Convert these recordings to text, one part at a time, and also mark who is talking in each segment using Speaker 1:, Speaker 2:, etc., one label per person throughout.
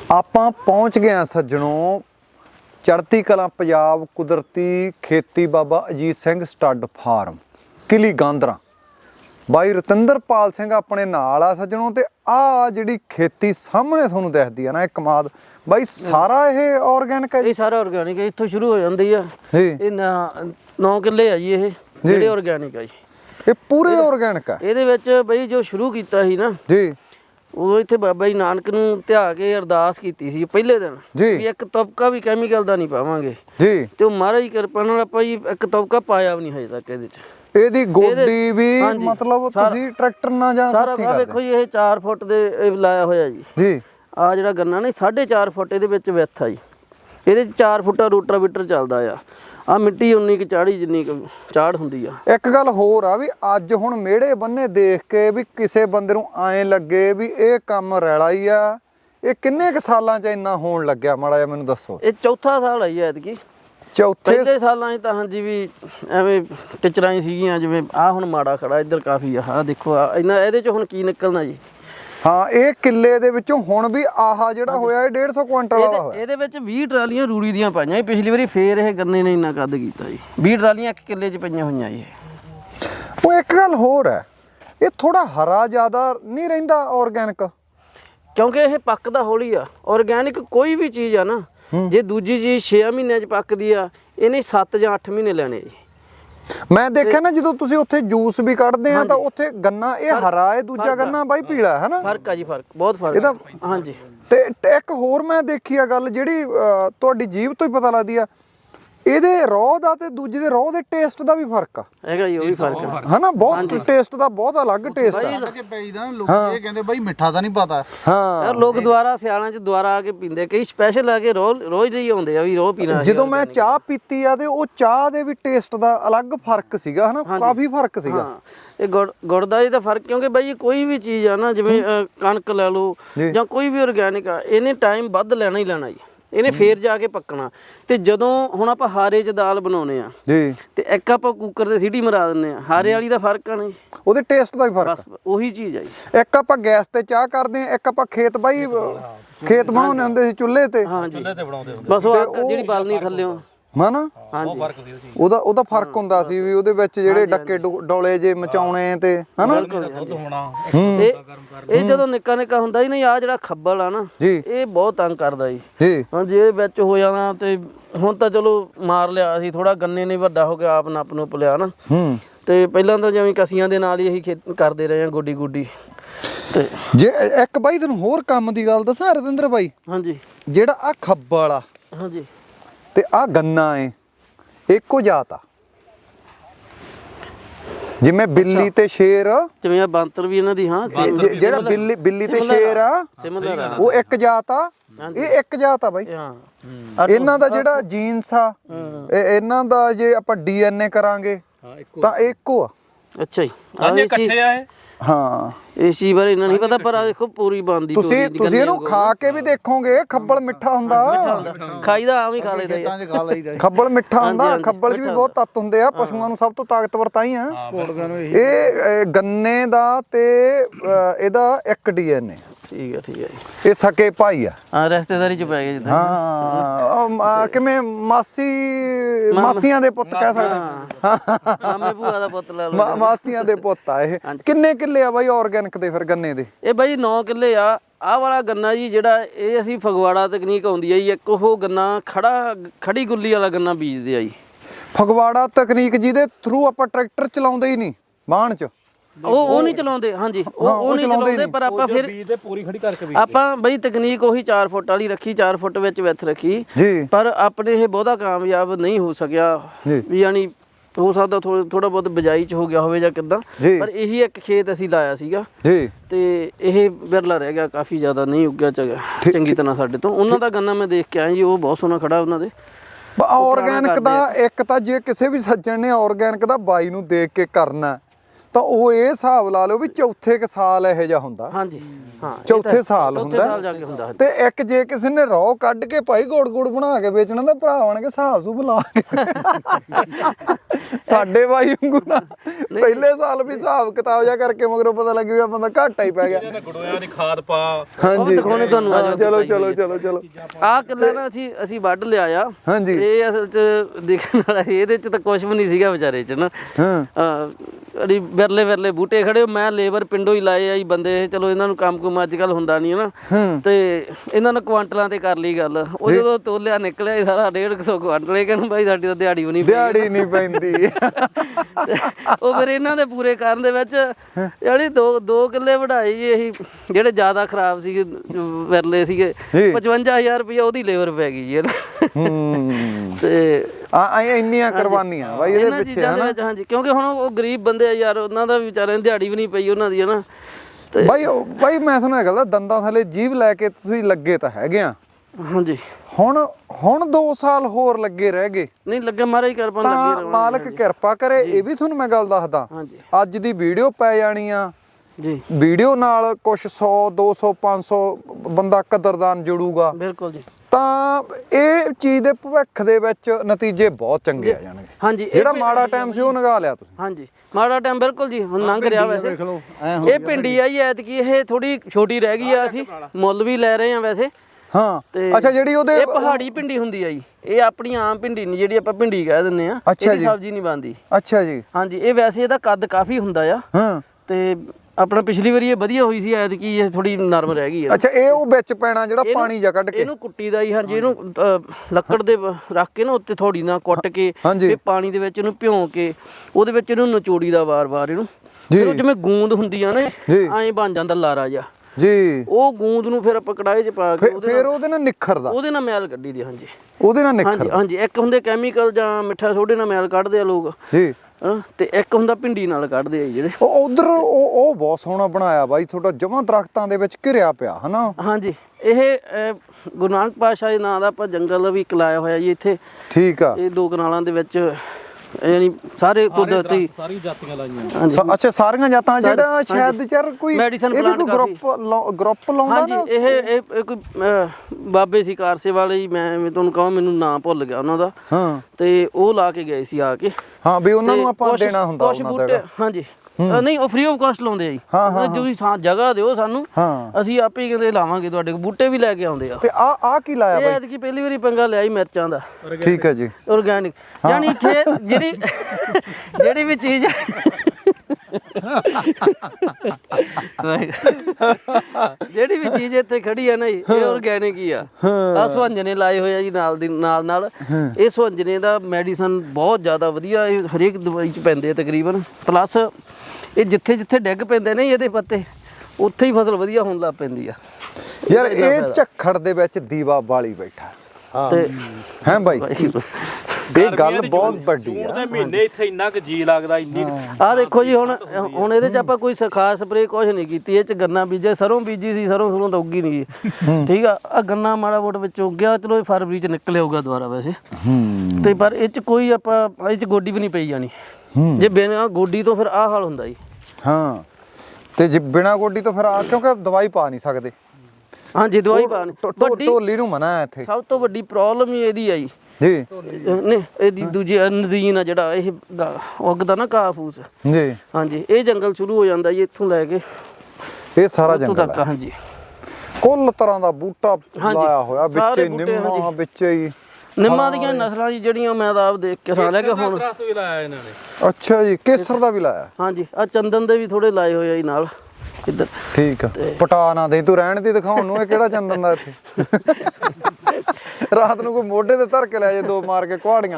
Speaker 1: ਆਪਾਂ ਪਹੁੰਚ ਗਏ ਹਾਂ ਸੱਜਣੋਂ ਚੜ੍ਹਦੀ ਕਲਾਂ ਪੰਜਾਬ ਕੁਦਰਤੀ ਖੇਤੀ ਬਾਬਾ ਅਜੀਤ ਸਿੰਘ ਸਟੱਡ ਫਾਰਮ ਕਿਲੀ ਗਾਂਦਰਾ। ਬਾਈ ਰਤਿੰਦਰਪਾਲ ਸਿੰਘ ਆਪਣੇ ਨਾਲ ਆ ਸੱਜਣੋਂ। ਤੇ ਆ ਜਿਹੜੀ ਖੇਤੀ ਸਾਹਮਣੇ ਤੁਹਾਨੂੰ ਦਿਖਦੀ ਆ ਨਾ, ਇਹ ਕਮਾਦ ਬਾਈ ਸਾਰਾ ਇਹ ਆਰਗੈਨਿਕ ਹੈ?
Speaker 2: ਇਹ ਸਾਰਾ ਆਰਗੈਨਿਕ ਹੈ, ਇੱਥੋਂ ਸ਼ੁਰੂ ਹੋ ਜਾਂਦੀ ਆ
Speaker 1: ਜੀ।
Speaker 2: ਇਹ 9 ਕਿੱਲੇ ਆ ਜੀ, ਇਹ ਜਿਹੜੇ ਆਰਗੈਨਿਕ ਆ ਜੀ, ਇਹ
Speaker 1: ਪੂਰੇ ਆਰਗੈਨਿਕ ਆ।
Speaker 2: ਇਹਦੇ ਵਿੱਚ ਬਈ ਜੋ ਸ਼ੁਰੂ ਕੀਤਾ ਸੀ ਨਾ
Speaker 1: ਜੀ,
Speaker 2: ਉਦੋਂ ਇੱਥੇ ਬਾਬਾ ਜੀ ਨਾਨਕ ਨੂੰ ਧਿਆ ਕੇ ਅਰਦਾਸ ਕੀਤੀ ਸੀ ਪਹਿਲੇ ਦਿਨ ਵੀ ਇੱਕ ਤੁਪਕਾ ਵੀ ਕੈਮੀਕਲ ਦਾ ਨਹੀਂ ਪਾਵਾਂਗੇ ਜੀ। ਤੇ ਉਹ ਮਹਾਰਾਜ ਦੀ ਕਿਰਪਾ ਨਾਲ ਆਪਾਂ ਜੀ ਇੱਕ ਤੁਪਕਾ ਪਾਇਆ ਵੀ ਨਹੀਂ ਹਜੇ ਤੱਕ ਇਹਦੇ 'ਚ।
Speaker 1: ਇਹਦੀ ਗੋਡੀ ਵੀ ਮਤਲਬ ਤੁਸੀਂ ਟਰੈਕਟਰ ਨਾਲ ਜਾਂ
Speaker 2: ਸਾਰਾ ਵੇਖੋ ਜੀ, ਇਹ 4 ਫੁੱਟ ਦੇ ਲਾਇਆ ਹੋਇਆ ਜੀ। ਜੀ ਆ ਜਿਹੜਾ ਗੰਨਾ ਨਹੀਂ 4.5 ਫੁੱਟ ਇਹਦੇ ਵਿੱਚ ਵਿੱਥ ਆ ਜੀ। ਇਹਦੇ 'ਚ 4 ਫੁੱਟਾ ਰੋਟਾਵੀਟਰ ਚੱਲਦਾ ਆ ਮਿੱਟੀ 19 ਕੁ ਚਾੜੀ ਜਿੰਨੀ ਕੁ ਚਾੜ ਹੁੰਦੀ ਆ।
Speaker 1: ਇੱਕ ਗੱਲ ਹੋਰ ਆ ਵੀ ਅੱਜ ਹੁਣ ਮੇੜੇ ਬੰਨੇ ਦੇਖ ਕੇ ਵੀ ਕਿਸੇ ਬੰਦੇ ਨੂੰ ਐਂ ਲੱਗੇ ਵੀ ਇਹ ਕੰਮ ਰੈਲਾ ਹੀ ਆ। ਇਹ ਕਿੰਨੇ ਕੁ ਸਾਲਾਂ 'ਚ ਇੰਨਾ ਹੋਣ ਲੱਗਿਆ, ਮਾੜਾ ਜਿਹਾ ਮੈਨੂੰ ਦੱਸੋ।
Speaker 2: ਇਹ ਚੌਥਾ ਸਾਲ ਆ ਜੀ ਐਤਕੀ। ਪਹਿਲੇ ਸਾਲਾਂ 'ਚ ਤਾਂ ਹਾਂਜੀ ਵੀ ਐਵੇਂ ਟਿਚਰਾਂ ਹੀ ਸੀਗੀਆਂ, ਜਿਵੇਂ ਆਹ ਹੁਣ ਮਾੜਾ ਖੜਾ ਇੱਧਰ ਕਾਫੀ ਆਹ ਦੇਖੋ ਇੰਨਾ ਇਹਦੇ 'ਚ ਹੁਣ ਕੀ ਨਿਕਲਣਾ ਜੀ।
Speaker 1: ਹਾਂ, ਇਹ ਕਿੱਲੇ ਦੇ ਵਿੱਚੋਂ ਹੁਣ ਵੀ ਆਹ ਜਿਹੜਾ ਹੋਇਆ ਇਹ 150 ਕੁਇੰਟਲ ਵਾਲਾ ਹੋਇਆ।
Speaker 2: ਇਹਦੇ ਵਿੱਚ 20 ਟਰਾਲੀਆਂ ਰੂੜੀ ਦੀਆਂ ਪਾਈਆਂ ਪਿਛਲੀ ਵਾਰੀ, ਫੇਰ ਇਹ ਗੰਨੇ ਨੇ ਇੰਨਾ ਕੱਦ ਕੀਤਾ ਜੀ। 20 ਟਰਾਲੀਆਂ ਇੱਕ ਕਿੱਲੇ 'ਚ ਪਈਆਂ ਹੋਈਆਂ ਜੀ।
Speaker 1: ਉਹ ਇੱਕ ਗੱਲ ਹੋਰ ਹੈ, ਇਹ ਥੋੜਾ ਹਰਾ ਜ਼ਿਆਦਾ ਨਹੀਂ ਰਹਿੰਦਾ ਆਰਗੈਨਿਕ?
Speaker 2: ਕਿਉਂਕਿ ਇਹ ਪੱਕਦਾ ਹੌਲੀ ਆ। ਆਰਗੈਨਿਕ ਕੋਈ ਵੀ ਚੀਜ਼ ਆ ਨਾ, ਜੇ ਦੂਜੀ ਚੀਜ਼ 6 ਮਹੀਨਿਆਂ 'ਚ ਪੱਕਦੀ ਆ, ਇਹਨੇ 7 ਜਾਂ 8 ਮਹੀਨੇ ਲੈਣੇ ਜੀ।
Speaker 1: ਮੈਂ ਦੇਖਿਆ ਨਾ ਜਦੋਂ ਤੁਸੀਂ ਉੱਥੇ ਜੂਸ ਵੀ ਕੱਢਦੇ ਆ ਤਾਂ ਉੱਥੇ ਗੰਨਾ ਇਹ ਹਰਾ ਹੈ, ਦੂਜਾ ਗੰਨਾ ਬਾਈ ਪੀਲਾ ਹੈ ਨਾ।
Speaker 2: ਫਰਕ ਆ ਜੀ, ਫਰਕ ਬਹੁਤ ਫਰਕ ਇਹਦਾ। ਹਾਂਜੀ,
Speaker 1: ਤੇ ਇੱਕ ਹੋਰ ਮੈਂ ਦੇਖੀ ਆ ਗੱਲ ਜਿਹੜੀ ਤੁਹਾਡੀ ਜੀਭ ਤੋਂ ਹੀ ਪਤਾ ਲੱਗਦੀ ਆ, ਇਹਦੇ ਰੋਹ ਦਾ ਤੇ ਦੂਜੇ ਦੇ ਰੋਹ ਦੇ ਟੇਸਟ ਦਾ ਵੀ ਫਰਕ ਆ
Speaker 2: ਹੈਗਾ ਜੀ। ਉਹ ਵੀ ਫਰਕ ਆ
Speaker 1: ਹਨਾ, ਬਹੁਤ ਟੇਸਟ ਦਾ ਬਹੁਤ ਅਲੱਗ ਟੇਸਟ ਆ।
Speaker 3: ਲੋਕ ਇਹ ਕਹਿੰਦੇ ਬਾਈ ਮਿੱਠਾ ਤਾਂ ਨਹੀਂ ਪਤਾ।
Speaker 1: ਹਾਂ,
Speaker 2: ਲੋਕ ਦੁਆਰਾ ਸਿਆਲਾਂ 'ਚ ਦੁਆਰਾ ਆ ਕੇ ਪੀਂਦੇ, ਕਈ ਸਪੈਸ਼ਲ ਆ ਕੇ ਰੋਜ਼ ਹੀ ਆਉਂਦੇ ਆ ਵੀ ਰੋਹ ਪੀਣਾ।
Speaker 1: ਜਦੋਂ ਮੈਂ ਚਾਹ ਪੀਤੀ ਆ ਤੇ ਉਹ ਚਾਹ ਦੇ ਵੀ ਟੇਸਟ ਦਾ ਅਲੱਗ ਫਰਕ ਸੀਗਾ ਹਨਾ, ਕਾਫੀ ਫਰਕ ਸੀਗਾ।
Speaker 2: ਇਹ ਗੁੜ ਦਾ ਇਹਦਾ ਫਰਕ, ਕਿਉਂਕਿ ਬਾਈ ਕੋਈ ਵੀ ਚੀਜ਼ ਆ ਨਾ, ਜਿਵੇਂ ਕਣਕ ਲੈ ਲਓ ਜਾਂ ਕੋਈ ਵੀ ਆਰਗੈਨਿਕ ਆ, ਇਹਨੇ ਟਾਈਮ ਵੱਧ ਲੈਣਾ ਹੀ ਲੈਣਾ ਜੀ। ਇਹਨੇ ਫੇਰ ਜਾ ਕੇ ਪੱਕਣਾ। ਤੇ ਜਦੋਂ ਹੁਣ ਆਪਾਂ ਹਾਰੇ 'ਚ ਦਾਲ ਬਣਾਉਨੇ ਆ ਜੀ, ਤੇ ਇੱਕ ਆਪਾਂ ਕੁੱਕਰ ਤੇ ਸੀਟੀ ਮਰਾ ਦਿੰਨੇ ਆ, ਹਾਰੇ ਵਾਲੀ ਦਾ ਫਰਕ ਆ ਨਾ ਜੀ, ਉਹਦੇ
Speaker 1: ਟੇਸਟ ਦਾ ਵੀ ਫਰਕ।
Speaker 2: ਬਸ ਉਹੀ ਚੀਜ਼ ਆ ਜੀ।
Speaker 1: ਇੱਕ ਆਪਾਂ ਗੈਸ ਤੇ ਚਾਹ ਕਰਦੇ ਆ, ਇੱਕ ਆਪਾਂ ਖੇਤ ਬਾਈ ਖੇਤ ਬਣਾਉਂਦੇ ਹੁੰਦੇ ਸੀ ਚੁੱਲ੍ਹੇ ਤੇ।
Speaker 2: ਹਾਂ ਚੁੱਲ੍ਹੇ ਤੇ ਬਣਾਉਂਦੇ, ਬਸ ਉਹ ਜਿਹੜੀ ਬਲਨੀ ਥੱਲਿਓਂ ਹਨਾ,
Speaker 1: ਉਹਦਾ ਫਰਕ ਹੁੰਦਾ ਸੀ ਵੀ ਉਹਦੇ ਵਿੱਚ ਜਿਹੜੇ ਡੱਕੇ ਡੋਲੇ ਜੇ ਮਚਾਉਣੇ ਤੇ ਹਨਾ।
Speaker 2: ਇਹ ਜਦੋਂ ਨਿੱਕਾ ਨਿੱਕਾ ਹੁੰਦਾ ਹੀ ਨਹੀਂ, ਆ ਜਿਹੜਾ ਖੱਬਲ ਆ ਨਾ, ਇਹ ਬਹੁਤ ਤੰਗ ਕਰਦਾ ਜੀ। ਹਾਂਜੀ, ਇਹਦੇ ਵਿੱਚ ਹੋ ਜਾਣਾ। ਤੇ ਹੁਣ ਤਾਂ ਚਲੋ ਮਾਰ ਲਿਆ ਸੀ ਥੋੜਾ, ਗੰਨੇ ਨੇ ਵੱਡਾ ਹੋ ਕੇ ਆਪ ਨੱਪ ਨੁੱਪ ਲਿਆ ਨਾ। ਤੇ ਪਹਿਲਾਂ ਤਾਂ ਜਿਵੇਂ ਕਸੀਆਂ ਦੇ ਨਾਲ ਹੀ ਅਸੀਂ ਕਰਦੇ ਰਹੇ ਆ, ਗੋਡੀ ਗੋਡੀ। ਤੇ
Speaker 1: ਜੇ ਇੱਕ ਬਾਈ ਤੈਨੂੰ ਹੋਰ ਕੰਮ ਦੀ ਗੱਲ ਦੱਸਾਂ ਰਤਿੰਦਰ ਬਾਈ।
Speaker 2: ਹਾਂਜੀ,
Speaker 1: ਜਿਹੜਾ ਆ ਖੱਬਲ ਆ
Speaker 2: ਹਾਂਜੀ
Speaker 1: ਤੇ ਆ ਗੰਨਾ ਏ, ਇੱਕੋ ਜਾਤ ਆ। ਜਿਵੇਂ ਬਿੱਲੀ ਤੇ ਸ਼ੇਰ,
Speaker 2: ਜਿਵੇਂ ਆ ਬਾਂਤਰ ਵੀ ਇਹਨਾਂ ਦੀ। ਹਾਂ,
Speaker 1: ਜਿਹੜਾ ਬਿੱਲੀ ਤੇ ਸ਼ੇਰ ਆ ਉਹ ਇੱਕ ਜਾਤ ਆ, ਇਹ ਇੱਕ ਜਾਤ ਆ ਬਾਈ। ਇਹਨਾਂ ਦਾ ਜਿਹੜਾ ਜੀਨਸ ਆ, ਇਹਨਾਂ ਦਾ ਜੇ ਆਪਾਂ DNA ਕਰਾਂਗੇ ਤਾਂ ਇੱਕੋ ਆ।
Speaker 2: ਅੱਛਾ ਜੀ, ਇਕੱਠੇ ਆ ਇਹ।
Speaker 1: ਹਾਂ,
Speaker 2: ਇਸ ਚੀਜ਼ ਬਾਰੇ ਇਹਨਾਂ ਨਹੀਂ ਪਤਾ, ਪਰ ਆ ਦੇਖੋ ਪੂਰੀ ਬਣਦੀ।
Speaker 1: ਤੁਸੀਂ ਇਹਨੂੰ ਖਾ ਕੇ ਵੀ ਦੇਖੋਗੇ, ਖੱਬਲ ਮਿੱਠਾ ਹੁੰਦਾ।
Speaker 2: ਖਾਈਦਾ ਆਮ ਹੀ ਖਾ ਲਈਦਾ।
Speaker 1: ਖੱਬਲ ਮਿੱਠਾ ਹੁੰਦਾ, ਖੱਬਲ 'ਚ ਵੀ ਬਹੁਤ ਤੱਤ ਹੁੰਦੇ ਆ। ਪਸ਼ੂਆਂ ਨੂੰ ਸਭ ਤੋਂ ਤਾਕਤਵਰ ਤਾਂ ਹੀ ਆ ਇਹ ਗੰਨੇ ਦਾ, ਤੇ ਇਹਦਾ ਇੱਕ DNA।
Speaker 2: ਠੀਕ ਆ, ਠੀਕ ਆ ਜੀ।
Speaker 1: ਇਹ ਸਕੇ ਭਾਈ ਆ।
Speaker 2: ਹਾਂ, ਰਿਸ਼ਤੇਦਾਰੀ 'ਚ ਪੈ ਗਏ ਜਿੱਦਾਂ।
Speaker 1: ਹਾਂ, ਕਿਵੇਂ ਮਾਸੀਆਂ ਦੇ ਪੁੱਤ ਕਹਿ ਸਕਦੇ,
Speaker 2: ਮਾਮੇ ਭੂਆ ਦਾ ਪੁੱਤ ਲੈ ਲਓ,
Speaker 1: ਮਾਸੀਆਂ ਦੇ ਪੁੱਤ ਆ ਇਹ। ਕਿੰਨੇ ਕਿੱਲੇ ਆ ਬਾਈ ਆਰਗੈਨਿਕ ਦੇ ਫਿਰ ਗੰਨੇ ਦੇ?
Speaker 2: ਇਹ ਬਾਈ 9 ਕਿੱਲੇ ਆ। ਆਹ ਵਾਲਾ ਗੰਨਾ ਜੀ ਜਿਹੜਾ, ਇਹ ਅਸੀਂ ਫਗਵਾੜਾ ਤਕਨੀਕ ਆਉਂਦੀ ਆ ਜੀ, ਇੱਕ ਉਹ ਗੰਨਾ ਖੜੀ ਗੁੱਲੀ ਵਾਲਾ ਗੰਨਾ ਬੀਜਦੇ ਆ ਜੀ।
Speaker 1: ਫਗਵਾੜਾ ਤਕਨੀਕ ਜਿਹਦੇ ਥਰੂ ਆਪਾਂ ਟਰੈਕਟਰ ਚਲਾਉਂਦੇ ਹੀ ਨਹੀਂ ਬਾਣ 'ਚ,
Speaker 2: ਉਹ ਨਹੀਂ ਚਲਾਉਂਦੇ। ਹਾਂਜੀ, ਉਹ ਨਹੀਂ ਚਲਾਉਂਦੇ, ਪਰ ਆਪਾਂ ਫਿਰ
Speaker 3: ਬੀਜਦੇ ਪੂਰੀ ਖੜੀ ਕਰਕੇ
Speaker 2: ਆਪਾਂ ਬਈ ਤਕਨੀਕ ਉਹੀ 4 ਫੁੱਟ ਵਾਲੀ ਰੱਖੀ, 4 ਫੁੱਟ ਵਿੱਚ ਵਿੱਥ ਰੱਖੀ। ਪਰ ਆਪਣੇ ਇਹ ਬਹੁਤਾ ਕਾਮਯਾਬ ਨਹੀਂ ਹੋ ਸਕਿਆ ਵੀ, ਯਾਨੀ ਹੋ ਸਕਦਾ ਥੋੜਾ ਬਹੁਤ ਬਿਜਾਈ 'ਚ ਹੋ ਗਿਆ ਹੋਵੇ ਜਾਂ ਕਿੱਦਾਂ, ਪਰ ਇਹੀ ਇੱਕ ਖੇਤ ਅਸੀਂ ਲਾਇਆ ਸੀਗਾ ਤੇ ਇਹ ਬਿਰਲਾ ਰਹਿ ਗਿਆ, ਕਾਫੀ ਜ਼ਿਆਦਾ ਨਹੀਂ ਉੱਗਿਆ ਚੰਗੀ ਤਰ੍ਹਾਂ ਸਾਡੇ ਤੋਂ। ਉਹਨਾਂ ਦਾ ਗੰਨਾ ਮੈਂ ਦੇਖ ਕੇ ਆਇਆ ਜੀ, ਉਹ ਬਹੁਤ ਸੋਹਣਾ ਖੜਾ ਉਹਨਾਂ ਦੇ। ਆਰਗੈਨਿਕ
Speaker 1: ਦਾ ਇੱਕ ਤਾਂ ਜੇ ਕਿਸੇ ਵੀ ਸੱਜਣ ਨੇ ਆਰਗੈਨਿਕ ਦਾ ਬਾਈ ਨੂੰ ਦੇਖ ਕੇ ਕਰਨਾ, ਤਾਂ ਉਹ ਇਹ ਹਿਸਾਬ ਲਾ ਲਓ ਵੀ ਚੌਥੇ ਕ ਸਾਲ ਇਹੋ ਜਿਹਾ ਹੁੰਦਾ।
Speaker 2: ਹਾਂਜੀ ਹਾਂ,
Speaker 1: ਚੌਥੇ ਸਾਲ
Speaker 2: ਚੌਥੇ ਸਾਲ ਜਾ ਕੇ ਹੁੰਦਾ।
Speaker 1: ਤੇ ਇੱਕ ਜੇ ਕਿਸੇ ਨੇ ਰੌ ਕੱਢ ਕੇ ਭਾਈ ਗੋੜ ਬਣਾ ਕੇ ਵੇਚਣਾ ਤਾਂ ਭਰਾ ਬਣ ਕੇ ਹਿਸਾਬ ਸੂਬ ਲਾ ਕੇ ਸਾਡੇ ਬਾਈ ਵਾਂਗੂ ਨਾ ਪਹਿਲੇ ਸਾਲ ਵੀ ਹਿਸਾਬ ਕਿਤਾਬ ਜਿਹਾ ਕਰਕੇ ਮਗਰੋਂ ਪਤਾ ਲੱਗ ਗਿਆ ਬੰਦਾ ਘਾਟਾ ਹੀ ਪੈ ਗਿਆ।
Speaker 3: ਗੁੜੋਆਂ ਦੀ ਖਾਦ ਪਾ।
Speaker 1: ਹਾਂਜੀ
Speaker 2: ਦਿਖਾਉਣੇ ਤੁਹਾਨੂੰ ਆ
Speaker 1: ਚਲੋ
Speaker 2: ਆਹ ਕਿੱਲਾ ਨਾ ਅਸੀਂ ਵੱਢ ਲਿਆ ਆ।
Speaker 1: ਹਾਂਜੀ
Speaker 2: ਇਹ ਅਸਲ ਚ ਦੇਖਣ ਵਾਲਾ ਇਹਦੇ ਚ ਤਾਂ ਕੁਝ ਵੀ ਨਹੀਂ ਸੀਗਾ ਵਿਚਾਰੇ ਚ ਨਾ। ਅੜੀ ਵਿਰਲੇ ਬੂਟੇ ਖੜੇ, ਮੈਂ ਲੇਬਰ ਪਿੰਡੋਂ ਹੀ ਲਾਏ ਆ ਜੀ ਬੰਦੇ। ਚਲੋ ਇਹਨਾਂ ਨੂੰ ਕੰਮ ਕੁਮ ਅੱਜ ਕੱਲ ਹੁੰਦਾ ਨਹੀਂ ਹੈ ਨਾ, ਤੇ ਇਹਨਾਂ ਨੇ ਕੁਆਂਟਲਾਂ ਤੇ ਕਰ ਲਈ ਗੱਲ। ਉਹ ਜਦੋਂ ਤੋਲਿਆ ਨਿਕਲਿਆ ਸਾਰਾ 150 ਕੁਆਂਟਲ। ਇਹ ਕਹਿੰਦਾ ਬਾਈ ਸਾਡੀ ਤਾਂ ਦਿਹਾੜੀ ਵੀ ਨਹੀਂ
Speaker 1: ਪੈਂਦੀ।
Speaker 2: ਉਹ ਫਿਰ ਇਹਨਾਂ ਦੇ ਪੂਰੇ ਕਰਨ ਦੇ ਵਿੱਚ ਜਿਹੜੀ 2 ਕਿੱਲੇ ਵਢਾਈ ਜੀ। ਇਹੀ ਜਿਹੜੇ ਜ਼ਿਆਦਾ ਖਰਾਬ ਸੀਗੇ ਵਿਰਲੇ ਸੀਗੇ 55,000 ਰੁਪਇਆ ਉਹਦੀ ਲੇਬਰ ਪੈ ਗਈ ਜੀ। ਤੇ
Speaker 1: ਇੰਨੀਆਂ ਕੁਰਬਾਨੀਆਂ ਬਾਈ ਇਹਦੇ ਪਿੱਛੇ ਹਨਾ।
Speaker 2: ਹਾਂਜੀ, ਕਿਉਂਕਿ ਹੁਣ ਉਹ ਗਰੀਬ ਬੰਦੇ ਆ ਯਾਰ, ਉਹਨਾਂ ਦਾ ਵਿਚਾਰਿਆਂ ਦੀ ਦਿਹਾੜੀ ਵੀ ਨਹੀਂ ਪਈ ਉਹਨਾਂ ਦੀ, ਹਨਾ।
Speaker 1: ਬਾਈ ਮੈਂ ਤੁਹਾਨੂੰ ਇਹ ਗੱਲ ਦਾ ਦੰਦਾਂ ਥੱਲੇ ਜੀਭ ਲੈ ਕੇ ਤੁਸੀਂ ਲੱਗੇ ਤਾਂ ਹੈਗੇ ਆ।
Speaker 2: ਹਾਂਜੀ,
Speaker 1: ਹੁਣ 2 ਸਾਲ ਹੋਰ ਲੱਗੇ ਰਹਿ ਗਏ।
Speaker 2: ਨਹੀਂ ਲੱਗੇ ਮਹਾਰਾਜ ਕਿਰਪਾ ਲੱਗੀ
Speaker 1: ਤਾਂ ਮਾਲਕ ਕਿਰਪਾ ਕਰੇ। ਇਹ ਵੀ ਤੁਹਾਨੂੰ ਮੈਂ ਗੱਲ ਦੱਸਦਾ, ਅੱਜ ਦੀ ਵੀਡੀਓ ਪੈ ਜਾਣੀ ਆ
Speaker 2: ਜੀ।
Speaker 1: ਵੀਡੀਓ ਨਾਲ ਕੁਛ 100 200 500 ਬੰਦਾ ਕਦਰਦਾਨ ਜੁੜੂਗਾ।
Speaker 2: ਬਿਲਕੁਲ ਜੀ।
Speaker 1: ਤਾਂ ਇਹ ਚੀਜ਼ ਦੇ ਭਵਿੱਖ ਦੇ ਵਿੱਚ ਨਤੀਜੇ ਬਹੁਤ ਚੰਗੇ ਆ ਜਾਣਗੇ।
Speaker 2: ਹਾਂਜੀ,
Speaker 1: ਜਿਹੜਾ ਮਾੜਾ ਟਾਈਮ ਸੀ ਉਹ ਲੰਘਾ ਲਿਆ ਤੁਸੀਂ।
Speaker 2: ਹਾਂਜੀ, ਮਾੜਾ ਟਾਈਮ ਬਿਲਕੁਲ ਜੀ ਹੁਣ ਲੰਘ ਰਿਹਾ। ਵੈਸੇ ਇਹ ਭਿੰਡੀ ਆ ਜੀ ਐਤਕੀ, ਇਹ ਥੋੜੀ ਛੋਟੀ ਰਹਿ ਗਈ ਆ। ਅਸੀਂ ਮੁੱਲ ਵੀ ਲੈ ਰਹੇ ਆ ਵੈਸੇ।
Speaker 1: ਹਾਂ, ਅੱਛਾ, ਜਿਹੜੀ ਉਹਦੇ
Speaker 2: ਇਹ ਪਹਾੜੀ ਭਿੰਡੀ ਹੁੰਦੀ ਆ ਜੀ। ਇਹ ਆਪਣੀ ਆਮ ਭਿੰਡੀ ਨਹੀਂ ਜਿਹੜੀ ਆਪਾਂ ਭਿੰਡੀ ਕਹਿ ਦਿੰਦੇ ਆ। ਇਹਦੀ ਸਬਜ਼ੀ ਨਹੀਂ ਬਣਦੀ।
Speaker 1: ਅੱਛਾ ਜੀ।
Speaker 2: ਹਾਂਜੀ, ਇਹ ਵੈਸੇ ਇਹਦਾ ਕੱਦ ਕਾਫੀ ਹੁੰਦਾ ਆ। ਹਾਂ, ਤੇ ਆਪਣਾ ਪਿਛਲੀ ਵਾਰੀ ਇਹ ਵਧੀਆ ਹੋਈ ਸੀ, ਐਤਕੀ ਇਹ ਥੋੜੀ ਨਰਮ ਰਹਿ ਗਈ।
Speaker 1: ਅੱਛਾ, ਇਹ ਉਹ ਵਿੱਚ ਪੈਣਾ ਜਿਹੜਾ ਪਾਣੀ ਜਾਂ ਕੱਢ ਕੇ
Speaker 2: ਇਹਨੂੰ ਕੁੱਟੀ ਦਾ ਹੀ। ਹਾਂਜੀ, ਇਹਨੂੰ ਲੱਕੜ ਦੇ ਰੱਖ ਕੇ ਨਾ ਉੱਤੇ ਥੋੜੀ ਨਾਲ ਕੁੱਟ ਕੇ ਤੇ ਪਾਣੀ ਦੇ ਵਿੱਚ ਇਹਨੂੰ ਭਿਉਂ ਕੇ ਉਹਦੇ ਵਿੱਚ ਇਹਨੂੰ ਨਿਚੋੜੀ ਦਾ ਵਾਰ-ਵਾਰ ਇਹਨੂੰ। ਫਿਰ ਜਿਵੇਂ ਗੂੰਦ ਹੁੰਦੀ ਆ ਨਾ, ਐਂ ਬਣ ਜਾਂਦਾ ਲਾਰਾ ਜਿਹਾ ਜੀ। ਉਹ ਗੂੰਦ ਨੂੰ ਫਿਰ ਆਪਾਂ ਕੜਾਹੇ 'ਚ ਪਾ ਕੇ
Speaker 1: ਫਿਰ ਉਹਦੇ ਨਾਲ ਨਿਖਰਦਾ,
Speaker 2: ਉਹਦੇ ਨਾਲ ਮੈਲ ਕੱਢੀ ਦੀ। ਹਾਂਜੀ,
Speaker 1: ਉਹਦੇ ਨਾਲ ਨਿਖਰਦਾ।
Speaker 2: ਹਾਂਜੀ, ਇੱਕ ਹੁੰਦੇ ਕੈਮੀਕਲ ਜਾਂ ਮਿੱਠਾ ਸੋਡੇ ਨਾਲ ਮੈਲ ਕੱਢਦੇ ਆ ਲੋਕ ਜੀ, ਤੇ ਇੱਕ ਹੁੰਦਾ ਭਿੰਡੀ ਨਾਲ ਕੱਢਦੇ ਆ ਜਿਹੜੇ।
Speaker 1: ਉਧਰ ਉਹ ਬਹੁਤ ਸੋਹਣਾ ਬਣਾਇਆ ਬਾਈ ਤੁਹਾਡਾ, ਜਮਾਂ ਦਰਖਤਾਂ ਦੇ ਵਿੱਚ ਘਿਰਿਆ ਪਿਆ ਹਨਾ।
Speaker 2: ਹਾਂਜੀ, ਇਹ ਗੁਰੂ ਨਾਨਕ ਪਾਤਸ਼ਾਹ ਦੇ ਨਾਂ ਦਾ ਆਪਾਂ ਜੰਗਲ ਵੀ ਲਾਇਆ ਹੋਇਆ ਜੀ ਇੱਥੇ। ਠੀਕ ਆ। ਇਹ 2 ਕਨਾਲਾਂ ਦੇ ਵਿੱਚ ਯਾਨੀ ਸਾਰੇ ਕੁਦਰਤੀ
Speaker 3: ਸਾਰੀ ਜਾਤੀਆਂ ਲਾਈਆਂ।
Speaker 1: ਅੱਛਾ, ਸਾਰੀਆਂ ਜਾਤਾਂ। ਜਿਹੜਾ ਸ਼ਾਇਦ ਯਾਰ ਕੋਈ ਇਹ ਵੀ ਕੋਈ ਗਰੁੱਪ ਲਾਉਂਦਾ ਨਾ।
Speaker 2: ਹਾਂਜੀ, ਇਹ ਕੋਈ ਬਾਬੇ ਸੀ ਕਾਰਸੇ ਵਾਲੇ ਜੀ। ਮੈਂ ਤੁਹਾਨੂੰ ਕਹਾਂ, ਮੈਨੂੰ ਨਾਂ ਭੁੱਲ ਗਿਆ ਉਹਨਾਂ ਦਾ। ਹਾਂ, ਤੇ ਉਹ ਲਾ ਕੇ ਗਏ ਸੀ ਆ ਕੇ।
Speaker 1: ਹਾਂ, ਵੀ ਉਹਨਾਂ ਨੂੰ ਆਪਾਂ ਦੇਣਾ ਹੁੰਦਾ ਉਹਨਾਂ ਦਾ।
Speaker 2: ਹਾਂਜੀ, ਨਹੀਂ, ਉਹ ਫ੍ਰੀ ਆਫ ਕਾਸਟ ਲਾਉਂਦੇ ਆ ਜੀ। ਤੁਸੀਂ ਜਗ੍ਹਾ ਦਿਓ ਸਾਨੂੰ, ਅਸੀਂ ਆਪੇ ਹੀ ਕਹਿੰਦੇ ਲਾਵਾਂਗੇ ਤੁਹਾਡੇ ਕੋਲ। ਬੂਟੇ ਵੀ ਲੈ ਕੇ ਆਉਂਦੇ ਆ।
Speaker 1: ਤੇ ਆ ਕੀ ਲਾਇਆ ਬਾਈ?
Speaker 2: ਐਤਕੀ ਪਹਿਲੀ ਵਾਰੀ ਪੰਗਾ ਲਿਆ ਜੀ ਮਿਰਚਾਂ ਦਾ।
Speaker 1: ਠੀਕ ਹੈ ਜੀ।
Speaker 2: ਆਰਗੈਨਿਕ, ਯਾਨੀ ਜਿਹੜੀ ਵੀ ਚੀਜ਼ ਜਿਹੜੀ ਵੀ ਚੀਜ਼ ਇੱਥੇ ਖੜੀ ਆ ਨਾ ਜੀ, ਇਹ ਆਰਗੈਨਿਕ ਹੀ ਆ। ਆ ਸੁਹੰਜਣੇ ਲਾਏ ਹੋਏ ਆ ਜੀ ਨਾਲ। ਇਹ ਸੁਹੰਜਣੇ ਦਾ ਮੈਡੀਸਨ ਬਹੁਤ ਜ਼ਿਆਦਾ ਵਧੀਆ। ਇਹ ਹਰੇਕ ਦਵਾਈ 'ਚ ਪੈਂਦੇ ਆ ਤਕਰੀਬਨ। ਪਲੱਸ ਇਹ ਜਿੱਥੇ ਡਿੱਗ ਪੈਂਦੇ ਨੇ ਇਹਦੇ ਪੱਤੇ, ਉੱਥੇ ਹੀ ਫਸਲ ਵਧੀਆ ਹੋਣ ਲੱਗ ਪੈਂਦੀ ਆ।
Speaker 1: ਯਾਰ ਇਹ ਝੱਖੜ ਦੇ ਵਿੱਚ ਦੀਵਾ ਬਾਲੀ ਬੈਠਾ ਤੇ ਹੈ ਬਾਈ। ਇਹ ਗੱਲ ਬਹੁਤ ਵੱਡੀ ਆ।
Speaker 3: ਉਹਦੇ ਮਹੀਨੇ ਇੱਥੇ ਇੰਨਾ ਕੁ ਜੀ ਲੱਗਦਾ, ਇੰਨੀ।
Speaker 2: ਆਹ ਦੇਖੋ ਜੀ, ਹੁਣ ਇਹਦੇ 'ਚ ਆਪਾਂ ਕੋਈ ਖਾਸ ਸਪਰੇ ਕੁਝ ਨਹੀਂ ਕੀਤੀ। ਇਹ 'ਚ ਗੰਨਾ ਬੀਜਿਆ, ਸਰੋਂ ਬੀਜੀ ਸੀ, ਸਰੋਂ ਤਾਂ ਉੱਗੀ ਨਹੀਂ। ਠੀਕ ਆ। ਆ ਗੰਨਾ ਮਾੜਾ ਮੋਟਾ ਵਿੱਚ ਉੱਗ ਗਿਆ। ਚਲੋ ਇਹ ਫਰਵਰੀ 'ਚ ਨਿਕਲ ਆਊਗਾ ਦੁਬਾਰਾ ਵੈਸੇ। ਤੇ ਪਰ ਇਹ 'ਚ ਕੋਈ ਆਪਾਂ ਇਹ 'ਚ ਗੋਡੀ ਵੀ ਨਹੀਂ ਪਈ ਜਾਣੀ। ਜੇ ਬਿਨਾਂ ਗੋਡੀ ਤੋਂ ਫਿਰ ਆਹ ਹਾਲ ਹੁੰਦਾ ਜੀ।
Speaker 1: ਹਾਂ, ਤੇ ਜੇ ਬਿਨਾਂ ਗੋਡੀ ਤੋਂ ਫਿਰ ਕਿਉਂਕਿ ਦਵਾਈ ਪਾ ਨਹੀਂ ਸਕਦੇ।
Speaker 2: ਹਾਂਜੀ, ਦਵਾਈ ਪਾ ਨਹੀਂ।
Speaker 1: ਢੋਲੀ ਨੂੰ ਮਨਾ ਇੱਥੇ।
Speaker 2: ਸਭ ਤੋਂ ਵੱਡੀ ਪ੍ਰੋਬਲਮ ਹੀ ਇਹਦੀ ਆ ਜੀ।
Speaker 1: ਜੀ,
Speaker 2: ਨਹੀਂ, ਇਹਦੀ ਦੂਜੀ ਨਦੀਨ ਆ ਜਿਹੜਾ ਇਹ ਉੱਗਦਾ ਨਾ ਘਾਹ ਫੂਸ ਜੀ। ਹਾਂਜੀ, ਇਹ ਜੰਗਲ ਸ਼ੁਰੂ ਹੋ ਜਾਂਦਾ ਜੀ ਇੱਥੋਂ ਲੈ ਕੇ
Speaker 1: ਇਹ ਸਾਰਾ ਜੰਗਲ
Speaker 2: ਤੱਕ। ਹਾਂਜੀ,
Speaker 1: ਕੁੱਲ ਤਰ੍ਹਾਂ ਦਾ ਬੂਟਾ ਲਾਇਆ ਹੋਇਆ, ਵਿੱਚ ਨਿੰਮਾਂ, ਵਿੱਚ ਹੀ
Speaker 2: ਨਿੰਮਾਂ ਦੀਆਂ ਨਸਲਾਂ ਜੀ ਜਿਹੜੀਆਂ ਮੈਂ ਤਾਂ ਆਪ ਦੇਖ ਕੇ ਲੈ ਕੇ ਹੁਣ।
Speaker 3: ਵੀ ਲਾਇਆ ਇਹਨਾਂ ਨੇ।
Speaker 1: ਅੱਛਾ ਜੀ, ਕੇਸਰ ਦਾ ਵੀ ਲਾਇਆ।
Speaker 2: ਹਾਂਜੀ, ਆ ਚੰਦਨ ਦੇ ਵੀ ਥੋੜੇ ਲਾਏ ਹੋਏ ਆ ਜੀ ਨਾਲ ਇੱਧਰ।
Speaker 1: ਠੀਕ ਆ। ਪਟਾ ਨਾ ਦੇ ਤੂੰ, ਰਹਿਣ ਦੀ ਦਿਖਾਉਣ ਨੂੰ। ਇਹ ਕਿਹੜਾ ਚੰਦਨ ਦਾ ਇੱਥੇ? ਰਾਤ ਨੂੰ ਕੋਈ ਮੋਢੇ ਤੇ ਧਰ ਕੇ ਲੈ ਜੇ 2 ਮਾਰ ਕੇ ਕੁਹਾੜੀਆਂ।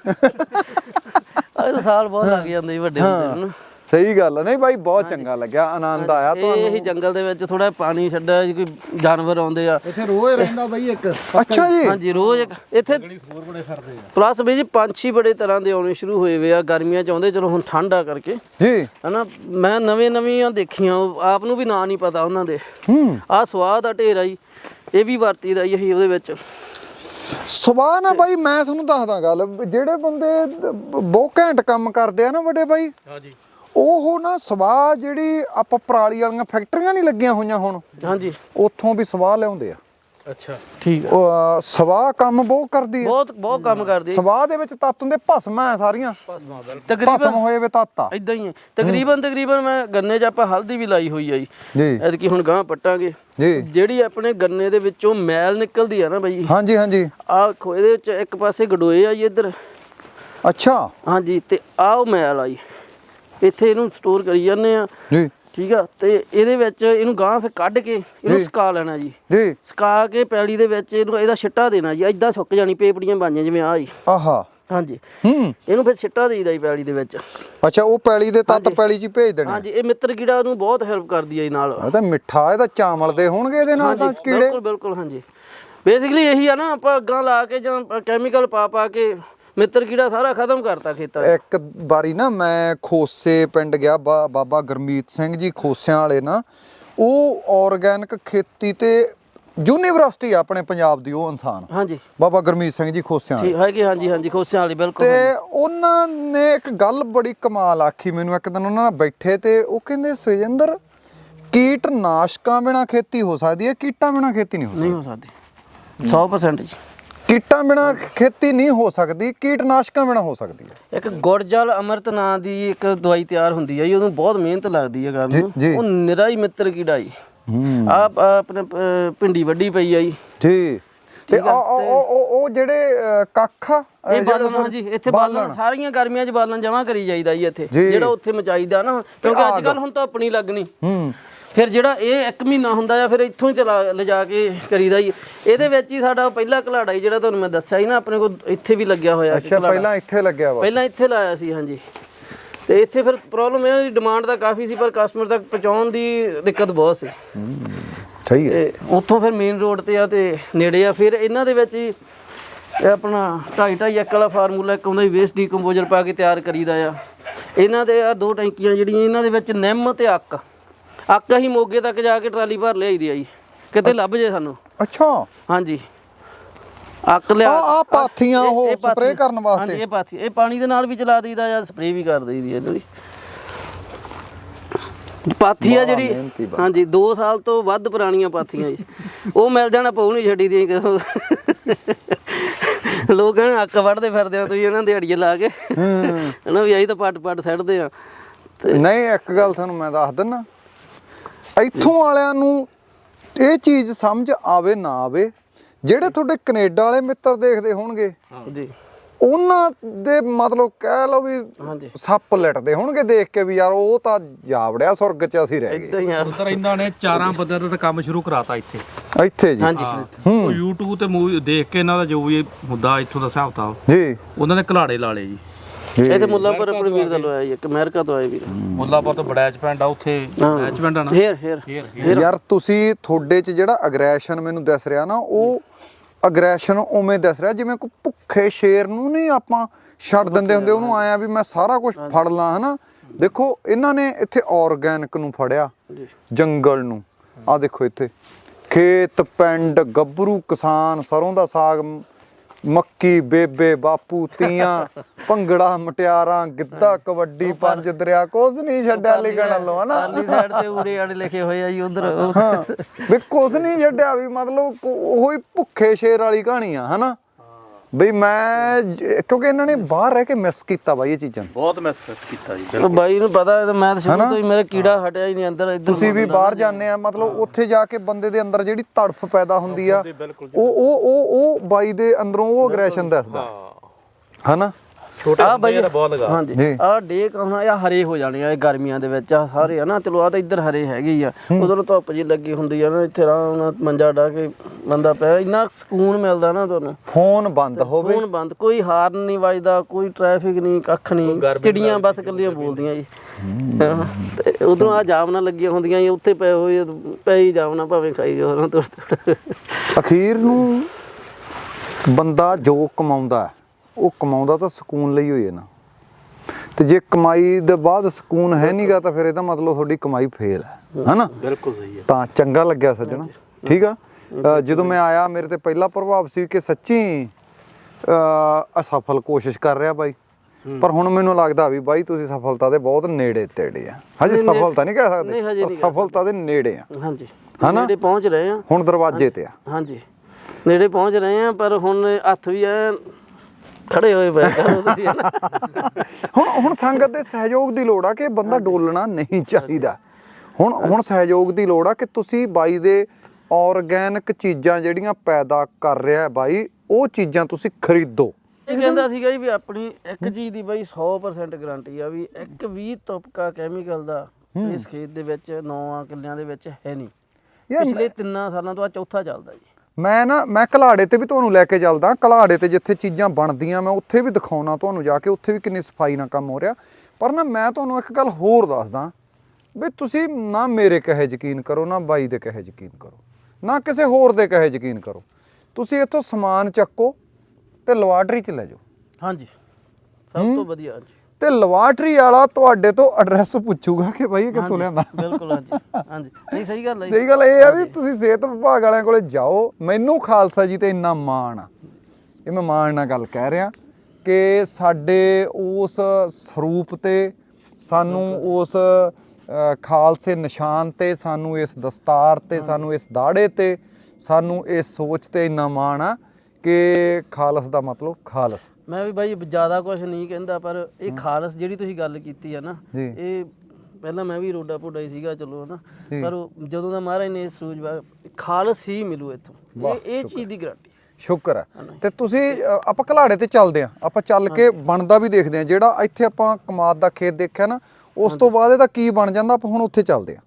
Speaker 2: ਇਹ ਸਾਲ ਬਹੁਤ ਲੱਗ ਜਾਂਦੇ ਜੀ ਵੱਡੇ ਹੁੰਦੇ ਨੂੰ।
Speaker 1: ਸਹੀ ਗੱਲ ਆ। ਨਹੀਂ ਬਾਈ, ਬਹੁਤ ਚੰਗਾ ਲੱਗਿਆ, ਆਨੰਦ ਆਇਆ ਤੁਹਾਨੂੰ।
Speaker 2: ਇਹ ਜੰਗਲ ਦੇ ਵਿੱਚ ਥੋੜਾ ਪਾਣੀ ਛੱਡਿਆ ਜੀ, ਕੋਈ ਜਾਨਵਰ ਆਉਂਦੇ ਆ
Speaker 3: ਇੱਥੇ ਰੋਜ਼ ਰਹਿੰਦਾ ਬਾਈ ਇੱਕ।
Speaker 1: ਅੱਛਾ ਜੀ।
Speaker 2: ਹਾਂਜੀ, ਰੋਜ਼ ਇੱਕ ਇੱਥੇ
Speaker 3: ਹੋਰ ਬੜੇ ਫਿਰਦੇ ਆ।
Speaker 2: ਪਲੱਸ ਵੀ ਜੀ ਪੰਛੀ ਬੜੇ ਤਰ੍ਹਾਂ ਦੇ ਆਉਣੇ ਸ਼ੁਰੂ ਹੋਏ ਵੇ ਆ। ਗਰਮੀਆਂ 'ਚ ਆਉਂਦੇ, ਚਲੋ ਹੁਣ ਠੰਡ ਆ ਕਰਕੇ
Speaker 1: ਜੀ,
Speaker 2: ਹਨਾ। ਮੈਂ ਨਵੀਆਂ ਦੇਖੀਆਂ, ਆਪ ਨੂੰ ਵੀ ਨਾਂ ਨਹੀਂ ਪਤਾ ਉਹਨਾਂ ਦੇ। ਆਹ ਸਵਾਹ ਦਾ ਢੇਰ ਆ ਜੀ, ਇਹ ਵੀ ਵਰਤੀਦਾ ਇਹੀ ਉਹਦੇ ਵਿੱਚ।
Speaker 1: ਸਵਾਹ ਨਾ ਬਾਈ, ਮੈਂ ਤੁਹਾਨੂੰ ਦੱਸਦਾ ਗੱਲ। ਜਿਹੜੇ ਬੰਦੇ ਬਹੁਤ ਘੈਂਟ ਕੰਮ ਕਰਦੇ ਆ ਨਾ ਵੱਡੇ ਬਾਈ, ਉਹ ਨਾ ਸਵਾਹ ਜਿਹੜੀ ਆਪਾਂ ਪਰਾਲੀ ਵਾਲੀਆਂ ਫੈਕਟਰੀਆਂ ਨਹੀਂ ਲੱਗੀਆਂ ਹੋਈਆਂ ਹੁਣ,
Speaker 2: ਹਾਂਜੀ,
Speaker 1: ਉੱਥੋਂ ਵੀ ਸਵਾਹ ਲਿਆਉਂਦੇ ਆ।
Speaker 3: ਅੱਛਾ
Speaker 2: ਠੀਕ ਆ।
Speaker 1: ਸਵਾਹ ਕੰਮ ਬਹੁਤ ਕਰਦੀ ਹੈ,
Speaker 2: ਬਹੁਤ ਕੰਮ ਕਰਦੀ ਹੈ।
Speaker 1: ਸਵਾਹ ਦੇ ਵਿੱਚ ਤੱਤ ਹੁੰਦੇ, ਭਸਮ ਹੈ ਸਾਰੀਆਂ, ਭਸਮ ਹੋਏ ਵੇ ਤੱਤ ਆ।
Speaker 2: ਇਦਾਂ ਹੀ ਹੈ ਤਕਰੀਬਨ ਮੈਂ ਗੰਨੇ 'ਚ ਆਪਾਂ ਹਲਦੀ ਵੀ ਲਾਈ ਹੋਈ ਆ ਜੀ ਐਤਕੀ ਹੁਣ ਗਾਂ ਪੱਟਾਂਗੇ
Speaker 1: ਜੀ।
Speaker 2: ਜਿਹੜੀ ਆਪਣੇ ਗੰਨੇ ਦੇ ਵਿੱਚੋਂ ਮੈਲ ਨਿਕਲਦੀ ਆ ਨਾ ਬਾਈ,
Speaker 1: ਹਾਂਜੀ ਹਾਂਜੀ,
Speaker 2: ਆਹ ਇਹਦੇ ਵਿੱਚ ਇੱਕ ਪਾਸੇ ਗਡੋਏ ਆ ਜੀ ਇੱਧਰ,
Speaker 1: ਅੱਛਾ
Speaker 2: ਹਾਂਜੀ, ਤੇ ਆਹ ਉਹ ਮੈਲ ਆਈ ਇੱਥੇ ਇਹਨੂੰ ਸਟੋਰ ਕਰੀ ਜਾਂਦੇ ਆ
Speaker 1: ਜੀ,
Speaker 2: ਠੀਕ ਆ। ਤੇ ਇਹਦੇ ਵਿੱਚ ਇਹਨੂੰ ਗਾਂ ਫਿਰ ਕੱਢ ਕੇ ਇਹਨੂੰ ਸੁਕਾ ਲੈਣਾ ਜੀ, ਸੁਕਾ ਕੇ ਪੈਲੀ ਦੇ ਵਿੱਚ ਇਹਦਾ ਛਿੱਟਾ ਦੇਣਾ ਜੀ, ਏਦਾਂ ਸੁੱਕ ਜਾਣੀ ਪੇਪੜੀਆਂ ਬਣ ਜਾਣ ਜਿਵੇਂ ਆਹ ਜੀ,
Speaker 1: ਆਹਾ,
Speaker 2: ਹਾਂਜੀ। ਇਹਨੂੰ ਫਿਰ ਛਿੱਟਾ ਦੇਈਦਾ ਜੀ ਪੈਲੀ ਦੇ ਵਿੱਚ।
Speaker 1: ਅੱਛਾ, ਉਹ ਪੈਲੀ ਦੇ ਤੱਤ ਪੈਲੀ 'ਚ ਹੀ ਭੇਜ ਦੇਣੇ।
Speaker 2: ਹਾਂਜੀ, ਇਹ ਮਿੱਤਰ ਕੀੜਾ ਨੂੰ ਬਹੁਤ ਹੈਲਪ ਕਰਦੀ ਹੈ ਜੀ ਨਾਲ।
Speaker 1: ਇਹ ਤਾਂ ਮਿੱਠਾ, ਇਹਦਾ ਚਾਵਲ ਦੇ ਹੋਣਗੇ ਇਹਦੇ ਨਾਲ ਤਾਂ ਕੀੜੇ।
Speaker 2: ਬਿਲਕੁਲ ਹਾਂਜੀ, ਬੇਸਿਕਲੀ ਇਹੀ ਆ ਨਾ, ਆਪਾਂ ਅੱਗਾਂ ਲਾ ਕੇ ਜਾਂ ਕੈਮੀਕਲ ਪਾ ਕੇ ਮਿੱਤਰ ਕੀੜਾ ਸਾਰਾ ਖਤਮ ਕਰਤਾ ਖੇਤਾਂ 'ਚ।
Speaker 1: ਇੱਕ ਵਾਰੀ ਨਾ ਮੈਂ ਖੋਸੇ ਪਿੰਡ ਗਿਆ, ਬਾਬਾ ਗੁਰਮੀਤ ਸਿੰਘ ਜੀ ਖੋਸਿਆਂ ਵਾਲੇ ਨਾ, ਉਹ ਆਰਗੈਨਿਕ ਖੇਤੀ ਤੇ ਯੂਨੀਵਰਸਿਟੀ ਆ ਆਪਣੇ ਪੰਜਾਬ ਦੀ, ਉਹ ਇਨਸਾਨ,
Speaker 2: ਹਾਂਜੀ,
Speaker 1: ਬਾਬਾ ਗੁਰਮੀਤ ਸਿੰਘ ਜੀ ਖੋਸਿਆਂ ਵਾਲੇ
Speaker 2: ਹੈਗੇ, ਹਾਂਜੀ ਖੋਸਿਆਂ ਵਾਲੀ, ਬਿਲਕੁਲ।
Speaker 1: ਤੇ ਉਹਨਾਂ ਨੇ ਇੱਕ ਗੱਲ ਬੜੀ ਕਮਾਲ ਆਖੀ ਮੈਨੂੰ ਇੱਕ ਦਿਨ, ਉਹਨਾਂ ਨਾਲ ਬੈਠੇ ਤੇ ਉਹ ਕਹਿੰਦੇ, ਸੁਜਿੰਦਰ, ਕੀਟਨਾਸ਼ਕਾਂ ਬਿਨਾ ਖੇਤੀ ਹੋ ਸਕਦੀ ਹੈ, ਕੀਟਾਂ ਬਿਨਾ ਖੇਤੀ ਨਹੀਂ ਹੋ ਸਕਦੀ। 100% ਜੀ, ਕੀਟਾਂ ਬਿਨਾ ਖੇਤੀ ਨਹੀਂ ਹੋ ਸਕਦੀ, ਕੀਟਨਾਸ਼ਕਾਂ ਬਿਨਾ ਹੋ ਸਕਦੀ ਹੈ।
Speaker 2: ਇੱਕ ਗੁੜਜਲ ਅਮਰਤ ਨਾਂ ਦੀ ਇੱਕ ਦਵਾਈ ਤਿਆਰ ਹੁੰਦੀ ਹੈ ਜੀ, ਉਹਨੂੰ ਬਹੁਤ ਮਿਹਨਤ ਲੱਗਦੀ ਹੈ ਕਰਨ ਨੂੰ, ਉਹ ਨਿਰਾ ਹੀ ਮਿੱਤਰ ਕੀੜਾ ਜੀ। ਆ ਆਪਣੇ ਭਿੰਡੀ ਵੱਡੀ ਪਈ ਆ ਜੀ,
Speaker 1: ਤੇ ਉਹ ਜਿਹੜੇ ਕੱਖ ਆ,
Speaker 2: ਇਹ ਬਾਲਣ, ਹਾਂਜੀ, ਇੱਥੇ ਬਾਲਣ ਸਾਰੀਆਂ ਗਰਮੀਆਂ 'ਚ ਬਾਲਣ ਜਮਾ ਕਰੀ ਜਾਈਦਾ ਜੀ ਇੱਥੇ, ਜਿਹੜਾ ਉੱਥੇ ਮਚਾਈਦਾ ਨਾ, ਕਿਉਂਕਿ ਅੱਜ ਕੱਲ ਹੁਣ ਤਾਂ ਆਪਣੀ ਲੱਗਣੀ। ਫਿਰ ਜਿਹੜਾ ਇਹ 1 ਮਹੀਨਾ ਹੁੰਦਾ ਆ, ਫਿਰ ਇੱਥੋਂ ਹੀ ਲਿਜਾ ਕੇ ਕਰੀਦਾ ਜੀ। ਇਹਦੇ ਵਿੱਚ ਹੀ ਸਾਡਾ ਪਹਿਲਾ ਘਲਾੜਾ ਜੀ, ਜਿਹੜਾ ਤੁਹਾਨੂੰ ਮੈਂ ਦੱਸਿਆ ਸੀ ਨਾ, ਆਪਣੇ ਕੋਲ ਇੱਥੇ ਵੀ ਲੱਗਿਆ ਹੋਇਆ।
Speaker 1: ਅੱਛਾ, ਪਹਿਲਾਂ ਇੱਥੇ ਲੱਗਿਆ ਵਾ?
Speaker 2: ਪਹਿਲਾਂ ਇੱਥੇ ਲਾਇਆ ਸੀ, ਹਾਂਜੀ। ਤੇ ਇੱਥੇ ਫਿਰ ਪ੍ਰੋਬਲਮ ਇਹ ਡਿਮਾਂਡ ਤਾਂ ਕਾਫੀ ਸੀ, ਪਰ ਕਸਟਮਰ ਤੱਕ ਪਹੁੰਚਾਉਣ ਦੀ ਦਿੱਕਤ ਬਹੁਤ ਸੀ।
Speaker 1: ਸਹੀ ਹੈ।
Speaker 2: ਤੇ ਉੱਥੋਂ ਫਿਰ ਮੇਨ ਰੋਡ ਤੇ ਆ ਤੇ ਨੇੜੇ ਆ। ਫਿਰ ਇਹਨਾਂ ਦੇ ਵਿੱਚ ਹੀ ਇਹ ਆਪਣਾ 2.5 1 ਵਾਲਾ ਫਾਰਮੂਲਾ ਇੱਕ ਆਉਂਦਾ, ਵੇਸਟ ਡੀਕੰਪੋਜ਼ਰ ਪਾ ਕੇ ਤਿਆਰ ਕਰੀਦਾ ਆ। ਇਹਨਾਂ ਦੇ ਆ 2 ਟੈਂਕੀਆਂ ਜਿਹੜੀਆਂ, ਇਹਨਾਂ ਦੇ ਵਿੱਚ ਨਿੰਮ ਤੇ ਅੱਕ ਅਸੀਂ ਮੋਗੇ ਤੱਕ ਜਾ ਕੇ ਟਰਾਲੀ ਭਰ ਲਿਆਈਦੀ ਆ ਜੀ, ਕਿਤੇ ਲੱਭ ਜੇ ਸਾਨੂੰ।
Speaker 1: ਅੱਛਾ, ਹਾਂਜੀ,
Speaker 2: ਅੱਕ ਲਿਆ
Speaker 1: ਆ ਪਾਥੀਆਂ ਉਹ ਸਪਰੇਅ ਕਰਨ ਵਾਸਤੇ।
Speaker 2: ਹਾਂਜੀ, ਇਹ ਪਾਥੀ, ਇਹ ਪਾਣੀ ਦੇ ਨਾਲ ਵੀ ਚਲਾ ਦਈਦਾ ਜਾਂ ਸਪਰੇਅ ਵੀ ਕਰ ਦਈਦੀ ਇਹਨੂੰ ਵੀ। ਪਾਥੀ ਆ ਜਿਹੜੀ, ਹਾਂਜੀ, 2 ਸਾਲ ਤੋਂ ਵੱਧ ਪੁਰਾਣੀਆਂ ਪਾਥੀਆਂ ਜੀ, ਉਹ ਮਿਲ ਜਾਣਾ ਪਊ ਨਹੀਂ ਛੱਡੀ ਦੀਆਂ ਕਿਸੋਂ। ਲੋਕ ਕਹਿੰਦੇ ਅੱਕ ਵੱਢਦੇ ਫਿਰਦੇ ਆ ਤੁਸੀਂ, ਇਹਨਾਂ ਦਿਹਾੜੀਆਂ ਲਾ ਕੇ ਹਨਾ ਵੀ ਅਸੀਂ ਤਾਂ ਪੱਟ ਸੱਟਦੇ ਆ। ਤੇ
Speaker 1: ਨਹੀਂ, ਇੱਕ ਗੱਲ ਤੁਹਾਨੂੰ ਮੈਂ ਦੱਸ ਦਿੰਦਾ, ਇੱਥੋਂ ਵਾਲਿਆਂ ਨੂੰ ਇਹ ਚੀਜ਼ ਸਮਝ ਆਵੇ ਨਾ ਆਵੇ, ਜਿਹੜੇ ਤੁਹਾਡੇ ਕੈਨੇਡਾ ਵਾਲੇ ਮਿੱਤਰ ਦੇਖਦੇ ਹੋਣਗੇ
Speaker 2: ਜੀ,
Speaker 1: ਉਹਨਾਂ ਦੇ ਮਤਲਬ ਕਹਿ ਲਓ ਵੀ ਸੱਪ ਲਿਟਦੇ ਹੋਣਗੇ ਦੇਖ ਕੇ ਵੀ ਯਾਰ ਉਹ ਤਾਂ ਜਾਵੜਿਆ ਸੁਰਗ 'ਚ, ਅਸੀਂ ਰਹਿ ਗਏ।
Speaker 3: ਉਧਰ ਇਹਨਾਂ ਨੇ 4 ਬੰਦਿਆਂ ਦਾ ਕੰਮ ਸ਼ੁਰੂ ਕਰਾਤਾ ਇੱਥੇ
Speaker 1: ਜੀ।
Speaker 2: ਹਾਂਜੀ,
Speaker 3: ਉਹ YouTube ਤੇ ਮੂਵੀ ਦੇਖ ਕੇ ਇਹਨਾਂ ਦਾ ਜੋ ਵੀ ਹੁੰਦਾ ਇੱਥੋਂ ਦਾ ਹਿਸਾਬ ਕਿਤਾਬ ਜੀ, ਉਹਨਾਂ ਨੇ ਘਲਾੜੇ ਲਾ ਲਏ ਜੀ।
Speaker 2: ਇਹ ਤੇ ਮੁੱਲਾਪੁਰ ਆਪਣੇ ਵੀਰ ਦਾ ਲਵਾਇਆ ਜੀ, ਇੱਕ ਅਮਰੀਕਾ ਤੋਂ ਆਏ ਵੀਰ।
Speaker 3: ਮੁੱਲਾਪੁਰ ਤੋਂ ਬੜੈਚ ਪਿੰਡ ਆ, ਉੱਥੇ ਬੜੈਚ ਪਿੰਡ ਆ ਨਾ।
Speaker 1: ਯਾਰ ਤੁਸੀਂ ਤੁਹਾਡੇ 'ਚ ਜਿਹੜਾ ਅਗਰੈਸ਼ਨ ਮੈਨੂੰ ਦਿਸ ਰਿਹਾ ਨਾ, ਉਹ ਅਗਰੈਸ਼ਨ ਉਵੇਂ ਦਿਸ ਰਿਹਾ ਜਿਵੇਂ ਕੋਈ ਭੁੱਖੇ ਸ਼ੇਰ ਨੂੰ ਨਹੀਂ ਆਪਾਂ ਛੱਡ ਦਿੰਦੇ ਹੁੰਦੇ, ਉਹਨੂੰ ਆਇਆ ਵੀ ਮੈਂ ਸਾਰਾ ਕੁਝ ਫੜ ਲਾਂ, ਹਨਾ। ਦੇਖੋ ਇਹਨਾਂ ਨੇ ਇੱਥੇ ਆਰਗੈਨਿਕ ਨੂੰ ਫੜਿਆ, ਜੰਗਲ ਨੂੰ, ਆਹ ਦੇਖੋ ਇੱਥੇ ਖੇਤ, ਪਿੰਡ, ਗੱਭਰੂ ਕਿਸਾਨ, ਸਰੋਂ ਦਾ ਸਾਗ, ਮੱਕੀ, ਬੇਬੇ, ਬਾਪੂ, ਤੀਆਂ, ਭੰਗੜਾ, ਮਟਿਆਰਾਂ, ਗਿੱਧਾ, ਕਬੱਡੀ, 5 ਦਰਿਆ, ਕੁਝ ਨਹੀਂ ਛੱਡਿਆ ਲਿਖਣ ਵੱਲੋਂ, ਹਨਾ।
Speaker 2: ਪਰਲੀ ਸਾਈਡ ਤੇ ਊੜੇ ਆੜੇ ਲਿਖੇ ਹੋਏ ਆ ਜੀ ਉਧਰ,
Speaker 1: ਵੀ ਕੁਝ ਨਹੀਂ ਛੱਡਿਆ, ਵੀ ਮਤਲਬ ਉਹੀ ਭੁੱਖੇ ਸ਼ੇਰ ਵਾਲੀ ਕਹਾਣੀ ਆ, ਹਨਾ। ਬਈ ਮੈਂ ਕਿਉਂਕਿ ਇਹਨਾਂ ਨੇ ਬਾਹਰ ਰਹਿ ਕੇ ਮਿਸ ਕੀਤਾ ਬਾਈ, ਇਹ ਚੀਜ਼ਾਂ
Speaker 3: ਬਹੁਤ ਮਿਸ ਕੀਤਾ ਜੀ।
Speaker 2: ਬਾਈ ਨੂੰ ਪਤਾ, ਮੈਂ ਤਾਂ ਸ਼ੁਰੂ ਤੋਂ ਹੀ ਮੇਰਾ ਕੀੜਾ ਹਟਿਆ ਹੀ ਨਹੀਂ ਅੰਦਰ। ਇੱਧਰ
Speaker 1: ਤੁਸੀਂ ਵੀ ਬਾਹਰ ਜਾਂਦੇ ਆ, ਮਤਲਬ ਉੱਥੇ ਜਾ ਕੇ ਬੰਦੇ ਦੇ ਅੰਦਰ ਜਿਹੜੀ ਤੜਫ ਪੈਦਾ ਹੁੰਦੀ ਆ, ਉਹ ਬਾਈ ਦੇ ਅੰਦਰੋਂ ਉਹ ਅਗਰੈਸ਼ਨ ਦੱਸਦਾ, ਹਨਾ।
Speaker 2: ਆ ਬਾਈ ਹਾਂਜੀ, ਆ ਡੇਕ ਹੁਣ ਆ ਹਰੇ ਹੋ ਜਾਣੇ ਆ ਇਹ ਗਰਮੀਆਂ ਦੇ ਵਿੱਚ, ਆ ਸਾਰੇ ਹਨਾ। ਚਲੋ ਆ ਤਾਂ ਇੱਧਰ ਹਰੇ ਹੈਗੇ ਹੀ ਆ, ਉਧਰ ਧੁੱਪ ਜੀ ਲੱਗੀ ਹੁੰਦੀ ਆ ਨਾ, ਇੱਥੇ ਆਰਾਮ ਨਾਲ ਮੰਜਾ ਡਾ ਕੇ ਬੰਦਾ ਪਿਆ, ਇੰਨਾ ਸਕੂਨ ਮਿਲਦਾ ਨਾ ਤੁਹਾਨੂੰ।
Speaker 1: ਫੋਨ ਬੰਦ ਹੋਵੇ,
Speaker 2: ਫੋਨ ਬੰਦ, ਕੋਈ ਹਾਰਨ ਨਹੀਂ ਵੱਜਦਾ, ਕੋਈ ਟ੍ਰੈਫਿਕ ਨਹੀਂ, ਕੱਖ ਨਹੀਂ, ਚਿੜੀਆਂ ਬਸ ਇਕੱਲੀਆਂ ਬੋਲਦੀਆਂ ਜੀ। ਤੇ ਉਧਰੋਂ ਆ ਜਾਮਨਾਂ ਲੱਗੀਆਂ ਹੁੰਦੀਆਂ ਜੀ, ਉੱਥੇ ਪਏ ਹੋਏ ਪੈ ਹੀ ਜਾਮਨਾ, ਭਾਵੇਂ ਖਾਈ ਜਾਓ ਨਾ।
Speaker 1: ਅਖੀਰ ਨੂੰ ਬੰਦਾ ਜੋ ਕਮਾਉਂਦਾ, ਉਹ ਕਮਾਉਂਦਾ ਤਾਂ ਸਕੂਨ ਲਈ ਹੋਈ ਹੈ ਨਾ, ਤੇ ਜੇ ਕਮਾਈ ਦੇ ਬਾਅਦ ਸਕੂਨ ਹੈ ਨਹੀਂਗਾ ਤਾਂ ਫਿਰ ਇਹਦਾ ਮਤਲਬ ਤੁਹਾਡੀ ਕਮਾਈ ਫੇਲ ਹੈ, ਹਨਾ।
Speaker 3: ਬਿਲਕੁਲ ਸਹੀ ਹੈ।
Speaker 1: ਤਾਂ ਚੰਗਾ ਲੱਗਿਆ ਸੱਜਣਾ, ਠੀਕ ਆ। ਜਦੋਂ ਮੈਂ ਆਇਆ ਮੇਰੇ ਤੇ ਪਹਿਲਾ ਪ੍ਰਭਾਵ ਸੀ ਕਿ ਸੱਚੀ ਅਸਫਲ ਕੋਸ਼ਿਸ਼ ਕਰ ਰਿਹਾ ਬਾਈ, ਪਰ ਹੁਣ ਮੈਨੂੰ ਲੱਗਦਾ ਵੀ ਬਾਈ ਤੁਸੀਂ ਸਫਲਤਾ ਦੇ ਬਹੁਤ ਨੇੜੇ ਤੇੜੇ ਆ। ਹਜੇ ਸਫਲਤਾ ਨਹੀਂ ਕਹਿ ਸਕਦੇ, ਪਰ ਸਫਲਤਾ ਦੇ ਨੇੜੇ ਆ।
Speaker 2: ਹਾਂਜੀ, ਨੇੜੇ ਪਹੁੰਚ ਰਹੇ ਆ,
Speaker 1: ਹੁਣ ਦਰਵਾਜ਼ੇ ਤੇ ਆ।
Speaker 2: ਹਾਂਜੀ, ਨੇੜੇ ਪਹੁੰਚ ਰਹੇ ਆ, ਪਰ ਹੁਣ ਹੱਥ ਵੀ ਐ ਖੜੇ ਹੋਏ ਪਏ ਕਰੋ ਤੁਸੀਂ
Speaker 1: ਹੁਣ ਸੰਗਤ ਦੇ ਸਹਿਯੋਗ ਦੀ ਲੋੜ ਆ ਕਿ ਬੰਦਾ ਡੋਲਣਾ ਨਹੀਂ ਚਾਹੀਦਾ। ਹੁਣ ਸਹਿਯੋਗ ਦੀ ਲੋੜ ਆ ਕਿ ਤੁਸੀਂ ਬਾਈ ਦੇ ਆਰਗੈਨਿਕ ਚੀਜ਼ਾਂ ਜਿਹੜੀਆਂ ਪੈਦਾ ਕਰ ਰਿਹਾ ਬਾਈ, ਉਹ ਚੀਜ਼ਾਂ ਤੁਸੀਂ ਖਰੀਦੋ।
Speaker 2: ਇਹ ਕਹਿੰਦਾ ਸੀਗਾ ਜੀ ਵੀ ਆਪਣੀ ਇੱਕ ਚੀਜ਼ ਦੀ ਬਾਈ 100% ਗਾਰੰਟੀ ਆ ਵੀ ਇੱਕ ਵੀ ਤੁਪਕਾ ਕੈਮੀਕਲ ਦਾ ਇਸ ਖੇਤ ਦੇ ਵਿੱਚ 9 ਕਿੱਲਿਆਂ ਦੇ ਵਿੱਚ ਹੈ ਨਹੀਂ। ਪਿਛਲੇ 3 ਸਾਲਾਂ ਤੋਂ ਆ ਚੌਥਾ ਚੱਲਦਾ ਜੀ।
Speaker 1: ਮੈਂ ਘਲਾੜੇ ਤੇ ਵੀ ਤੁਹਾਨੂੰ ਲੈ ਕੇ ਚੱਲਦਾ। ਘਲਾੜੇ ਤੇ ਜਿੱਥੇ ਚੀਜ਼ਾਂ ਬਣਦੀਆਂ ਮੈਂ ਉੱਥੇ ਵੀ ਦਿਖਾਉਣਾ ਤੁਹਾਨੂੰ ਜਾ ਕੇ, ਉੱਥੇ ਵੀ ਕਿੰਨੀ ਸਫਾਈ ਨਾਲ ਕੰਮ ਹੋ ਰਿਹਾ। ਪਰ ਨਾ ਮੈਂ ਤੁਹਾਨੂੰ ਇੱਕ ਗੱਲ ਹੋਰ ਦੱਸਦਾ ਵੀ ਤੁਸੀਂ ਨਾ ਮੇਰੇ ਕਹੇ ਯਕੀਨ ਕਰੋ, ਨਾ ਬਾਈ ਦੇ ਕਹੇ ਯਕੀਨ ਕਰੋ, ਨਾ ਕਿਸੇ ਹੋਰ ਦੇ ਕਹੇ ਯਕੀਨ ਕਰੋ। ਤੁਸੀਂ ਇੱਥੋਂ ਸਮਾਨ ਚੱਕੋ ਤੇ ਲੈਬਾਰਟਰੀ 'ਚ ਲੈ ਜਾਓ।
Speaker 2: ਹਾਂਜੀ, ਸਭ ਤੋਂ ਵਧੀਆ ਜੀ।
Speaker 1: ਤੇ ਲੈਬਾਰਟਰੀ ਵਾਲਾ ਤੁਹਾਡੇ ਤੋਂ ਐਡਰੈਸ ਪੁੱਛੂਗਾ ਕਿ ਬਾਈ ਇਹ ਕਿੱਥੋਂ ਲਿਆਂਦਾ।
Speaker 2: ਬਿਲਕੁਲ, ਹਾਂਜੀ ਹਾਂਜੀ, ਨਹੀਂ ਸਹੀ ਗੱਲ ਹੈ।
Speaker 1: ਸਹੀ ਗੱਲ ਇਹ ਆ ਵੀ ਤੁਸੀਂ ਸਿਹਤ ਵਿਭਾਗ ਵਾਲਿਆਂ ਕੋਲੇ ਜਾਓ। ਮੈਨੂੰ ਖਾਲਸਾ ਜੀ ਤੇ ਇੰਨਾ ਮਾਣ ਆ, ਇਹ ਮੈਂ ਮਾਣ ਨਾਲ ਗੱਲ ਕਹਿ ਰਿਹਾ ਕਿ ਸਾਡੇ ਉਸ ਸਰੂਪ ਤੇ, ਸਾਨੂੰ ਉਸ ਖਾਲਸੇ ਨਿਸ਼ਾਨ ਤੇ, ਸਾਨੂੰ ਇਸ ਦਸਤਾਰ ਤੇ, ਸਾਨੂੰ ਇਸ ਦਾੜੇ ਤੇ, ਸਾਨੂੰ ਇਸ ਸੋਚ ਤੇ ਇੰਨਾ ਮਾਣ ਆ ਕਿ ਖਾਲਸ ਦਾ ਮਤਲਬ ਖਾਲਸ।
Speaker 2: ਮੈਂ ਵੀ ਬਾਈ ਜ਼ਿਆਦਾ ਕੁਝ ਨਹੀਂ ਕਹਿੰਦਾ, ਪਰ ਇਹ ਖਾਲਸ ਜਿਹੜੀ ਤੁਸੀਂ ਗੱਲ ਕੀਤੀ ਆ ਨਾ, ਇਹ ਪਹਿਲਾਂ ਮੈਂ ਵੀ ਰੋਡਾ ਪੋਡਾ ਹੀ ਸੀਗਾ ਚਲੋ ਹਨਾ, ਪਰ ਜਦੋਂ ਦਾ ਮਹਾਰਾਜ ਨੇ ਸਰੂਜ ਖਾਲਸ ਹੀ ਮਿਲੂ ਇੱਥੋਂ, ਇਹ ਚੀਜ਼ ਦੀ ਗਾਰੰਟੀ।
Speaker 1: ਸ਼ੁਕਰ ਹੈ। ਤੇ ਤੁਸੀਂ ਆਪਾਂ ਘਲਾੜੇ ਤੇ ਚੱਲਦੇ ਆਂ, ਆਪਾਂ ਚੱਲ ਕੇ ਬਣਦਾ ਵੀ ਦੇਖਦੇ ਆਂ। ਜਿਹੜਾ ਇੱਥੇ ਆਪਾਂ ਕਮਾਦ ਦਾ ਖੇਤ ਦੇਖਿਆ ਨਾ, ਉਸ ਤੋਂ ਬਾਅਦ ਇਹਦਾ ਕੀ ਬਣ ਜਾਂਦਾ, ਆਪਾਂ ਹੁਣ ਉੱਥੇ ਚੱਲਦੇ ਆਂ।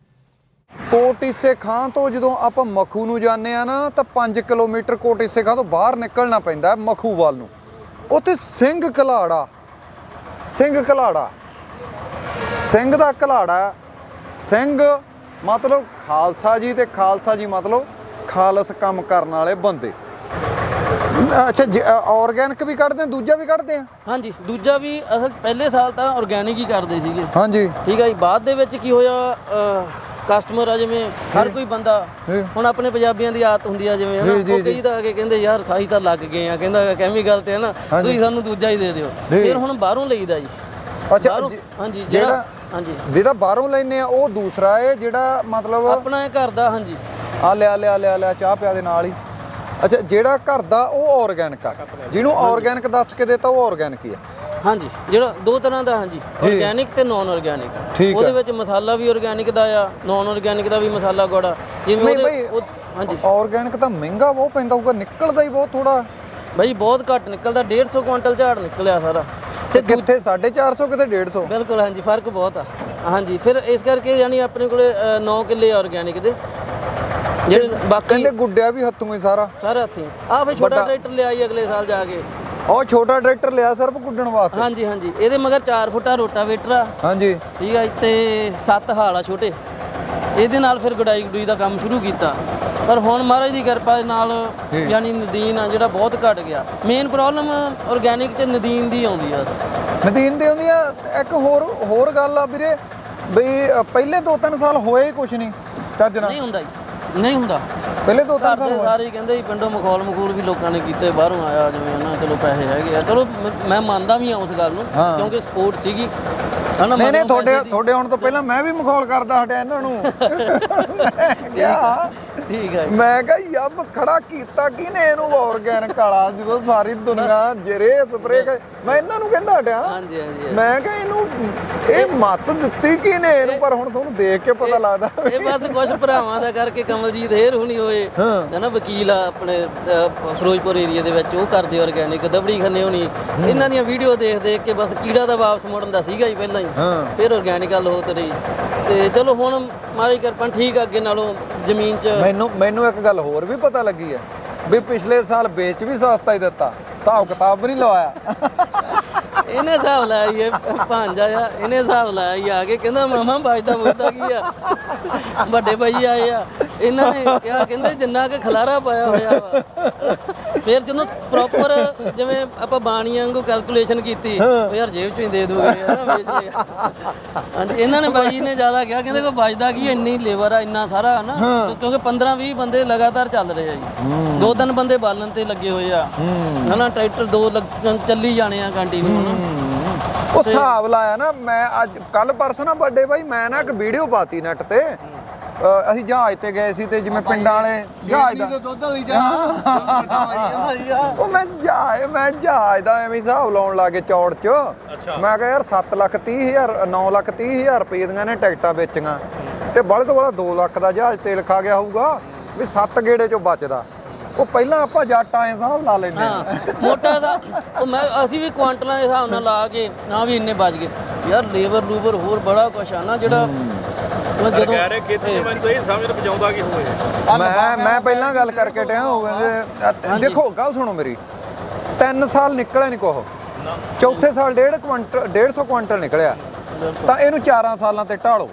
Speaker 1: ਕੋਟੀਸੇ ਖਾਂ ਤੋਂ ਜਦੋਂ ਆਪਾਂ ਮਖੂ ਨੂੰ ਜਾਂਦੇ ਆ ਨਾ, ਤਾਂ 5 ਕਿਲੋਮੀਟਰ ਕੋਟੀਸੇ ਖਾਂ ਤੋਂ ਬਾਹਰ ਨਿਕਲਣਾ ਪੈਂਦਾ ਮਖੂ ਵੱਲ ਨੂੰ। ਉੱਥੇ ਸਿੰਘ ਘਲਾੜਾ, ਸਿੰਘ ਘਲਾੜਾ, ਸਿੰਘ ਦਾ ਘਲਾੜਾ। ਸਿੰਘ ਮਤਲਬ ਖਾਲਸਾ ਜੀ, ਤੇ ਖਾਲਸਾ ਜੀ ਮਤਲਬ ਖਾਲਸ ਕੰਮ ਕਰਨ ਵਾਲੇ ਬੰਦੇ। ਅੱਛਾ, ਆਰਗੈਨਿਕ ਵੀ ਕੱਢਦੇ ਆ, ਦੂਜਾ ਵੀ ਕੱਢਦੇ ਆ?
Speaker 2: ਹਾਂਜੀ, ਦੂਜਾ ਵੀ ਅਸਲ ਪਹਿਲੇ ਸਾਲ ਤਾਂ ਆਰਗੈਨਿਕ ਹੀ ਕਰਦੇ ਸੀਗੇ।
Speaker 1: ਹਾਂਜੀ,
Speaker 2: ਠੀਕ ਹੈ ਜੀ। ਬਾਅਦ ਦੇ ਵਿੱਚ ਕੀ ਹੋਇਆ, ਕਸਟਮਰ ਆ ਜਿਵੇਂ ਹਰ ਕੋਈ ਬੰਦਾ, ਹੁਣ ਆਪਣੇ ਪੰਜਾਬੀਆਂ ਦੀ ਆਦਤ ਹੁੰਦੀ ਆ ਜਿਵੇਂ ਹਨਾ, ਉਹ ਕਈ ਤਾਂ ਆ ਕੇ ਕਹਿੰਦੇ ਯਾਰ ਸਾਈ ਤਾਂ ਲੱਗ ਗਏ ਆ, ਕਹਿੰਦਾ ਕੈਮੀਕਲ ਤੇ ਹਨਾ, ਤੁਸੀਂ ਸਾਨੂੰ ਦੂਜਾ ਹੀ ਦੇ ਦਿਓ। ਫਿਰ ਹੁਣ ਬਾਹਰੋਂ ਲਈਦਾ ਜੀ।
Speaker 1: ਅੱਛਾ,
Speaker 2: ਹਾਂਜੀ,
Speaker 1: ਜਿਹੜਾ ਬਾਹਰੋਂ ਲੈਨੇ ਆ ਉਹ ਦੂਸਰਾ ਹੈ, ਜਿਹੜਾ ਮਤਲਬ
Speaker 2: ਆਪਣਾ ਘਰ ਦਾ। ਹਾਂਜੀ,
Speaker 1: ਆ ਲਿਆ ਚਾਹ ਪਿਆ ਦੇ ਨਾਲ ਹੀ। ਅੱਛਾ, ਜਿਹੜਾ ਘਰ ਦਾ ਉਹ ਆਰਗੈਨਿਕ ਆ, ਜਿਹਨੂੰ ਆਰਗੈਨਿਕ ਦੱਸ ਕੇ ਦੇਤਾ ਉਹ ਆਰਗੈਨਿਕ ਹੀ ਆ।
Speaker 2: ਹਾਂਜੀ, ਜਿਹੜਾ 2 ਤਰ੍ਹਾਂ ਦਾ। ਹਾਂਜੀ, ਆਰਗੈਨਿਕ ਤੇ ਨਾਨ ਆਰਗੈਨਿਕ। ਉਹਦੇ ਵਿੱਚ ਮਸਾਲਾ ਵੀ ਆਰਗੈਨਿਕ ਦਾ ਆ, ਨਾਨ ਆਰਗੈਨਿਕ ਦਾ ਵੀ ਮਸਾਲਾ ਗੋੜਾ ਜਿਵੇਂ ਹਾਂਜੀ।
Speaker 1: ਆਰਗੈਨਿਕ ਤਾਂ ਮਹਿੰਗਾ ਬਹੁਤ ਪੈਂਦਾ ਹੋਊਗਾ, ਨਿਕਲਦਾ ਹੀ ਬਹੁਤ ਥੋੜਾ
Speaker 2: ਬਾਈ, ਬਹੁਤ ਘੱਟ ਨਿਕਲਦਾ। 150 ਕੁਇੰਟਲ ਝਾੜ ਨਿਕਲਿਆ ਸਾਰਾ।
Speaker 1: ਤੇ ਕਿੱਥੇ 450 ਕਿਤੇ 150।
Speaker 2: ਬਿਲਕੁਲ, ਹਾਂਜੀ, ਫਰਕ ਬਹੁਤ ਆ। ਹਾਂਜੀ, ਫਿਰ ਇਸ ਕਰਕੇ ਯਾਨੀ ਆਪਣੇ ਕੋਲੇ 9 ਕਿੱਲੇ ਆਰਗੈਨਿਕ ਦੇ, ਜਿਹੜੇ ਬਾਕੀ
Speaker 1: ਕਹਿੰਦੇ ਗੁੱਡਿਆ ਵੀ ਹੱਥੋਂ ਹੀ ਸਾਰਾ
Speaker 2: ਹੱਥੀਂ। ਆ ਫਿਰ ਛੋਟਾ ਟਰੈਕਟਰ ਲਿਆਈ ਅਗਲੇ ਸਾਲ ਜਾ ਕੇ,
Speaker 1: ਉਹ ਛੋਟਾ ਟਰੈਕਟਰ ਲਿਆ ਸਿਰਫ ਗੁੱਡਣ ਵਾਸਤੇ।
Speaker 2: ਹਾਂਜੀ ਹਾਂਜੀ, ਇਹਦੇ ਮਗਰ 4 ਫੁੱਟਾ ਰੋਟਾਵੇਟਰ ਆ। ਹਾਂਜੀ, ਠੀਕ ਆ, ਤੇ 7 ਹਾਲ ਆ ਛੋਟੇ। ਇਹਦੇ ਨਾਲ ਫਿਰ ਗੁਡਾਈ ਗਡੂਈ ਦਾ ਕੰਮ ਸ਼ੁਰੂ ਕੀਤਾ। ਪਰ ਹੁਣ ਮਹਾਰਾਜ ਦੀ ਕਿਰਪਾ ਦੇ ਨਾਲ ਯਾਨੀ ਨਦੀਨ ਆ ਜਿਹੜਾ ਬਹੁਤ ਘਟ ਗਿਆ। ਮੇਨ ਪ੍ਰੋਬਲਮ ਆਰਗੈਨਿਕ 'ਚ ਨਦੀਨ ਦੀ ਆਉਂਦੀ ਆ।
Speaker 1: ਨਦੀਨ ਦੀ ਆਉਂਦੀ ਆ। ਇੱਕ ਹੋਰ ਗੱਲ ਆ ਵੀਰੇ, ਬਈ ਪਹਿਲੇ 2-3 ਸਾਲ ਹੋਏ ਕੁਛ ਨਹੀਂ ਚੱਜ ਨਾਲ।
Speaker 2: ਨਹੀਂ ਹੁੰਦਾ ਜੀ, ਨਹੀਂ ਹੁੰਦਾ।
Speaker 1: ਪਹਿਲੇ 2-3 ਸਾਲ
Speaker 2: ਸਾਰੇ ਕਹਿੰਦੇ ਪਿੰਡੋਂ ਮਖੌਲ ਵੀ ਲੋਕਾਂ ਨੇ ਕੀਤੇ, ਬਾਹਰੋਂ ਆਇਆ ਜਿਵੇਂ ਹਨਾ, ਚਲੋ ਪੈਸੇ ਹੈਗੇ ਆ, ਚਲੋ ਮੈਂ ਮੰਨਦਾ ਵੀ ਆ ਉਸ ਗੱਲ ਨੂੰ, ਕਿਉਂਕਿ ਸਪੋਰਟ ਸੀਗੀ ਹਨਾ।
Speaker 1: ਨਹੀਂ, ਤੁਹਾਡੇ ਆਉਣ ਤੋਂ ਪਹਿਲਾਂ ਮੈਂ ਵੀ ਮਖੌਲ ਕਰਦਾ ਹਟਿਆ ਇਹਨਾਂ ਨੂੰ।
Speaker 2: ਠੀਕ ਹੈ,
Speaker 1: ਮੈਂ ਕਿਹਾ ਯੱਬ ਖੜਾ ਕੀਤਾ ਕਿਹਨੇ ਇਹਨੂੰ ਆਰਗੈਨਿਕ ਵਾਲਾ, ਜਦੋਂ ਸਾਰੀ ਦੁਨੀਆ ਜਰੇ ਸਪਰੇ। ਮੈਂ ਇਹਨਾਂ ਨੂੰ ਕਹਿੰਦਾ ਹਟਿਆ।
Speaker 2: ਹਾਂਜੀ ਹਾਂਜੀ,
Speaker 1: ਮੈਂ ਕਿਹਾ ਇਹਨੂੰ ਇਹ ਮੱਤ ਦਿੱਤੀ ਕਿਹਨੇ ਇਹਨੂੰ, ਪਰ ਹੁਣ ਤੁਹਾਨੂੰ ਦੇਖ ਕੇ ਪਤਾ ਲੱਗਦਾ
Speaker 2: ਇਹ ਬਸ ਕੁਝ ਭਰਾਵਾਂ ਦਾ ਕਰਕੇ। ਕਮਲਜੀਤ ਹੇਰ ਹੁਣੀ ਹੋਏ ਹਨਾ, ਵਕੀਲ ਆ ਆਪਣੇ ਫਿਰੋਜ਼ਪੁਰ ਏਰੀਆ ਦੇ ਵਿੱਚ, ਉਹ ਕਰਦੇ ਆਰਗੈਨਿਕ। ਦਬੜੀ ਖੰਨੇ ਹੋਣੀ, ਇਹਨਾਂ ਦੀਆਂ ਵੀਡੀਓ ਦੇਖ ਕੇ ਬਸ ਕੀੜਾ ਦਾ ਵਾਪਸ ਮੁੜਨ ਦਾ ਸੀਗਾ ਜੀ ਪਹਿਲਾਂ ਹੀ, ਫਿਰ ਆਰਗੈਨਿਕ ਗੱਲ ਹੋ ਤੇ ਰਹੀ। ਤੇ ਚਲੋ ਹੁਣ ਮਾਰੀ ਕਿਰਪਾ ਠੀਕ ਆ, ਅੱਗੇ ਨਾਲੋਂ ਜ਼ਮੀਨ 'ਚ।
Speaker 1: ਮੈਨੂੰ ਇੱਕ ਗੱਲ ਹੋਰ ਵੀ ਪਤਾ ਲੱਗੀ ਹੈ ਵੀ ਪਿਛਲੇ ਸਾਲ ਵੇਚ ਵੀ ਸਸਤਾ ਹੀ ਦਿੱਤਾ, ਹਿਸਾਬ ਕਿਤਾਬ ਵੀ ਨਹੀਂ ਲਵਾਇਆ।
Speaker 2: ਇਹਨੇ ਹਿਸਾਬ ਲਾਇਆ ਭਾਂਜਾ ਆ, ਇਹਨੇ ਹਿਸਾਬ ਲਾਇਆ ਆ ਕੇ ਕਹਿੰਦਾ ਮਾਮਾ ਬਚਦਾ ਕੀ ਆ। ਵੱਡੇ ਭਾਈ ਆਏ ਆ, ਇਹਨਾਂ ਨੇ ਕਿਹਾ ਕਹਿੰਦੇ ਜਿੰਨਾ ਕਿ ਖਲਾਰਾ ਪਾਇਆ ਹੋਇਆ ਵਾ। ਫਿਰ ਜਦੋਂ ਪ੍ਰੋਪਰ ਜਿਵੇਂ ਆਪਾਂ ਬਾਣੀਆਂ ਵਾਂਗੂ ਕੈਲਕੂਲੇਸ਼ਨ ਕੀਤੀ, ਉਹ ਯਾਰ ਜੇਬ 'ਚੋਂ ਹੀ ਦੇ ਦੂਗੇ ਹਾਂਜੀ। ਇਹਨਾਂ ਨੇ ਬਾਈ ਨੇ ਜ਼ਿਆਦਾ ਕਿਹਾ, ਕਹਿੰਦੇ ਕੋਈ ਬਚਦਾ ਕੀ, ਇੰਨੀ ਲੇਬਰ ਆ, ਇੰਨਾ ਸਾਰਾ ਹਨਾ, ਕਿਉਂਕਿ 15-20 ਬੰਦੇ ਲਗਾਤਾਰ ਚੱਲ ਰਹੇ ਆ ਜੀ। 2-3 ਬੰਦੇ ਬਾਲਣ ਤੇ ਲੱਗੇ ਹੋਏ ਆ ਹਨਾ, ਟਰੈਕਟਰ 2 ਚੱਲੀ ਜਾਣੇ ਆ ਕੰਟੀਨਿਊ ਹਨਾ।
Speaker 1: ਉਹ ਹਿਸਾਬ ਲਾਇਆ ਨਾ ਮੈਂ ਅੱਜ ਕੱਲ ਪਰਸੋਂ ਨਾ ਬਰਥਡੇ ਬਾਈ ਮੈਂ ਨਾ ਇੱਕ ਵੀਡੀਓ ਪਾਤੀ ਨੈਟ ਤੇ ਅਸੀਂ ਜਹਾਜ਼ ਤੇ ਗਏ ਸੀ ਤੇ ਜਿਵੇਂ ਪਿੰਡਾਂ ਵਾਲੇ ਜਹਾਜ਼ ਦਾ
Speaker 4: ਦੁੱਧ ਵਾਲੀ ਚਾਹ
Speaker 1: ਉਹ ਮੈਂ ਜਹਾਜ਼ ਦਾ ਐਵੇਂ ਹਿਸਾਬ ਲਾਉਣ ਲੱਗੇ ਚੌੜ ਚ ਮੈਂ ਕਿਹਾ ਯਾਰ 7,30,000 9,30,000 ਰੁਪਏ ਦੀਆਂ ਨੇ ਟਿਕਟਾਂ ਵੇਚੀਆਂ ਤੇ ਬੜੇ ਤੋਂ ਬੜਾ 2 ਲੱਖ ਦਾ ਜਹਾਜ਼ ਤੇਲ ਖਾ ਗਿਆ ਹੋਊਗਾ ਵੀ 7 ਗੇੜੇ ਚੋਂ ਬਚਦਾ ਉਹ ਪਹਿਲਾਂ ਆਪਾਂ ਜੱਟ ਆਏ ਹਿਸਾਬ ਲਾ ਲੈਂਦੇ
Speaker 2: ਮੋਟਾ ਦਾ ਉਹ ਅਸੀਂ ਵੀ ਕੁਆਂਟਲਾਂ ਦੇ ਹਿਸਾਬ ਨਾਲ ਲਾ ਕੇ ਨਾ ਵੀ ਇੰਨੇ ਬਚ ਗਏ ਯਾਰ ਲੇਬਰ ਲੂਬਰ ਹੋਰ ਬੜਾ ਕੁਛ ਆ ਨਾ ਜਿਹੜਾ
Speaker 3: ਜਦੋਂ ਕਹਿ ਰਹੇ ਖੇਤੀ ਮੈਨੂੰ ਤਾਂ ਇਹ ਸਮਝ ਨਹੀਂ ਪਜਾਉਂਦਾ ਕਿ ਹੋਏ
Speaker 1: ਮੈਂ ਪਹਿਲਾਂ ਗੱਲ ਕਰਕੇ ਟਿਆ ਹੋ ਗਏ ਦੇਖੋ ਗੱਲ ਸੁਣੋ ਮੇਰੀ 3 ਸਾਲ ਨਿਕਲਿਆ ਨਹੀਂ ਕੋਹ ਚੌਥੇ ਸਾਲ 150 ਕੁਆਂਟਲ ਨਿਕਲਿਆ ਤਾਂ ਇਹਨੂੰ 4 ਸਾਲਾਂ ਤੇ ਢਾਲੋ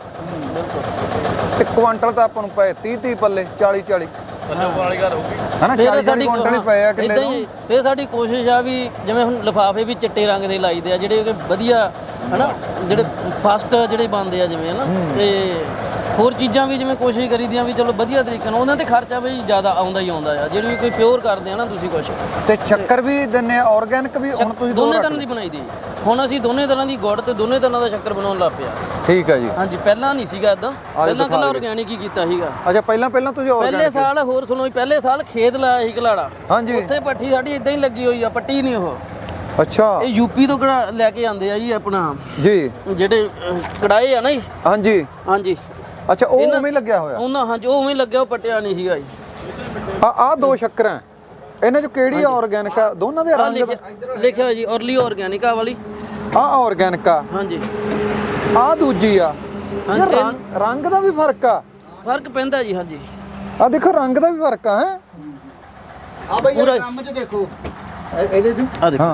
Speaker 1: ਤੇ ਕੁਆਂਟਲ ਤਾਂ ਆਪਾਂ ਨੂੰ ਪਏ 30 ਪੱਲੇ 40
Speaker 3: ਵਾਲੀ ਗੱਲ ਹੋਊਗੀ
Speaker 1: ਹਨਾ 40 ਕੁਆਂਟਲ ਹੀ ਪਏ ਆ ਕਿੱਲੇ ਨੂੰ
Speaker 2: ਫੇਰ ਸਾਡੀ ਕੋਸ਼ਿਸ਼ ਆ ਵੀ ਜਿਵੇਂ ਹੁਣ ਲਿਫਾਫੇ ਵੀ ਚਿੱਟੇ ਰੰਗ ਦੇ ਲਾਈਦੇ ਆ ਜਿਹੜੇ ਵਧੀਆ ਹਨਾ ਜਿਹੜੇ ਫਸਟ ਜਿਹੜੇ ਬਣਦੇ ਆ ਜਿਵੇਂ ਹਨਾ ਤੇ ਹੋਰ ਚੀਜ਼ਾਂ ਵੀ ਜਿਵੇਂ ਕੋਸ਼ਿਸ਼ ਕਰੀਦੀਆਂ ਵੀ ਚਲੋ ਵਧੀਆ ਤਰੀਕੇ ਨਾਲ ਉਹਨਾਂ ਤੇ ਖਰਚਾ ਵੀ ਜ਼ਿਆਦਾ ਆਉਂਦਾ ਹੀ ਆਉਂਦਾ ਆ ਜਿਹੜੀ ਵੀ ਕੋਈ ਪਿਓਰ ਕਰਦੇ ਆ ਨਾ ਤੁਸੀਂ ਕੁਛ
Speaker 1: ਤੇ ਸ਼ੱਕਰ ਵੀ ਦਿੰਨੇ ਆਰਗੈਨਿਕ ਵੀ ਹੁਣ ਤੁਸੀਂ
Speaker 2: ਦੋਨੇ ਤਰ੍ਹਾਂ ਦੀ ਬਣਾਈ ਦੀ ਹੁਣ ਅਸੀਂ ਦੋਨੇ ਤਰ੍ਹਾਂ ਦੀ ਗੁੜ ਤੇ ਦੋਨੇ ਤਰ੍ਹਾਂ ਦਾ ਸ਼ੱਕਰ ਬਣਾਉਣ ਲੱਗ ਪਿਆ
Speaker 1: ਠੀਕ ਹੈ ਜੀ
Speaker 2: ਹਾਂਜੀ ਪਹਿਲਾਂ ਨਹੀਂ ਸੀਗਾ ਇਦਾਂ ਪਹਿਲਾਂ ਕੱਲਾ ਆਰਗੈਨਿਕ ਹੀ ਕੀਤਾ ਸੀਗਾ
Speaker 1: ਅੱਛਾ ਪਹਿਲਾਂ ਤੁਸੀਂ ਆਰਗੈਨਿਕ
Speaker 2: ਪਹਿਲੇ ਸਾਲ ਹੋਰ ਸੁਣੋ ਪਹਿਲੇ ਸਾਲ ਖੇਤ ਲਾਇਆ ਸੀ ਘਲਾੜਾ
Speaker 1: ਹਾਂਜੀ
Speaker 2: ਉੱਥੇ ਪੱਠੀ ਸਾਡੀ ਇਦਾਂ ਹੀ ਲੱਗੀ ਹੋਈ ਆ ਪੱਟੀ ਨਹੀਂ ਉਹ
Speaker 1: ਅੱਛਾ
Speaker 2: ਇਹ ਯੂਪੀ ਤੋਂ ਲੈ ਕੇ ਆਉਂਦੇ ਆ ਜੀ ਆਪਣਾ
Speaker 1: ਜੀ
Speaker 2: ਜਿਹੜੇ ਕੜਾਏ ਆ ਨਾ ਜੀ ਹਾਂਜੀ
Speaker 1: ਅੱਛਾ ਉਹ ਉਵੇਂ ਹੀ ਲੱਗਿਆ ਹੋਇਆ
Speaker 2: ਉਹਨਾਂ ਹਾਂਜੀ ਉਹ ਉਵੇਂ ਹੀ ਲੱਗਿਆ ਉਹ ਪੱਟਿਆ ਨਹੀਂ ਸੀਗਾ ਜੀ
Speaker 1: ਆ ਦੋ ਸ਼ੱਕਰਾਂ ਇਹਨਾਂ ਚੋਂ ਕਿਹੜੀ ਆਰਗੈਨਿਕ ਆ ਦੋਨਾਂ ਦੇ ਰੰਗ
Speaker 2: ਲਿਖਿਆ ਜੀ ਔਰਲੀ ਆਰਗੈਨਿਕ ਆ ਵਾਲੀ
Speaker 1: ਆ ਆਰਗੈਨਿਕ ਆ
Speaker 2: ਹਾਂਜੀ
Speaker 1: ਆ ਦੂਜੀ ਆ ਰੰਗ ਦਾ ਵੀ
Speaker 2: ਫਰਕ ਪੈਂਦਾ ਜੀ ਹਾਂਜੀ
Speaker 1: ਆ ਦੇਖੋ ਰੰਗ ਦਾ ਵੀ ਫਰਕ ਆ ਹੈ
Speaker 4: ਆ ਬਈ ਇਹ ਕੰਮ 'ਚ ਦੇਖੋ ਇਹਦੇ 'ਚ
Speaker 2: ਆ ਦੇਖੋ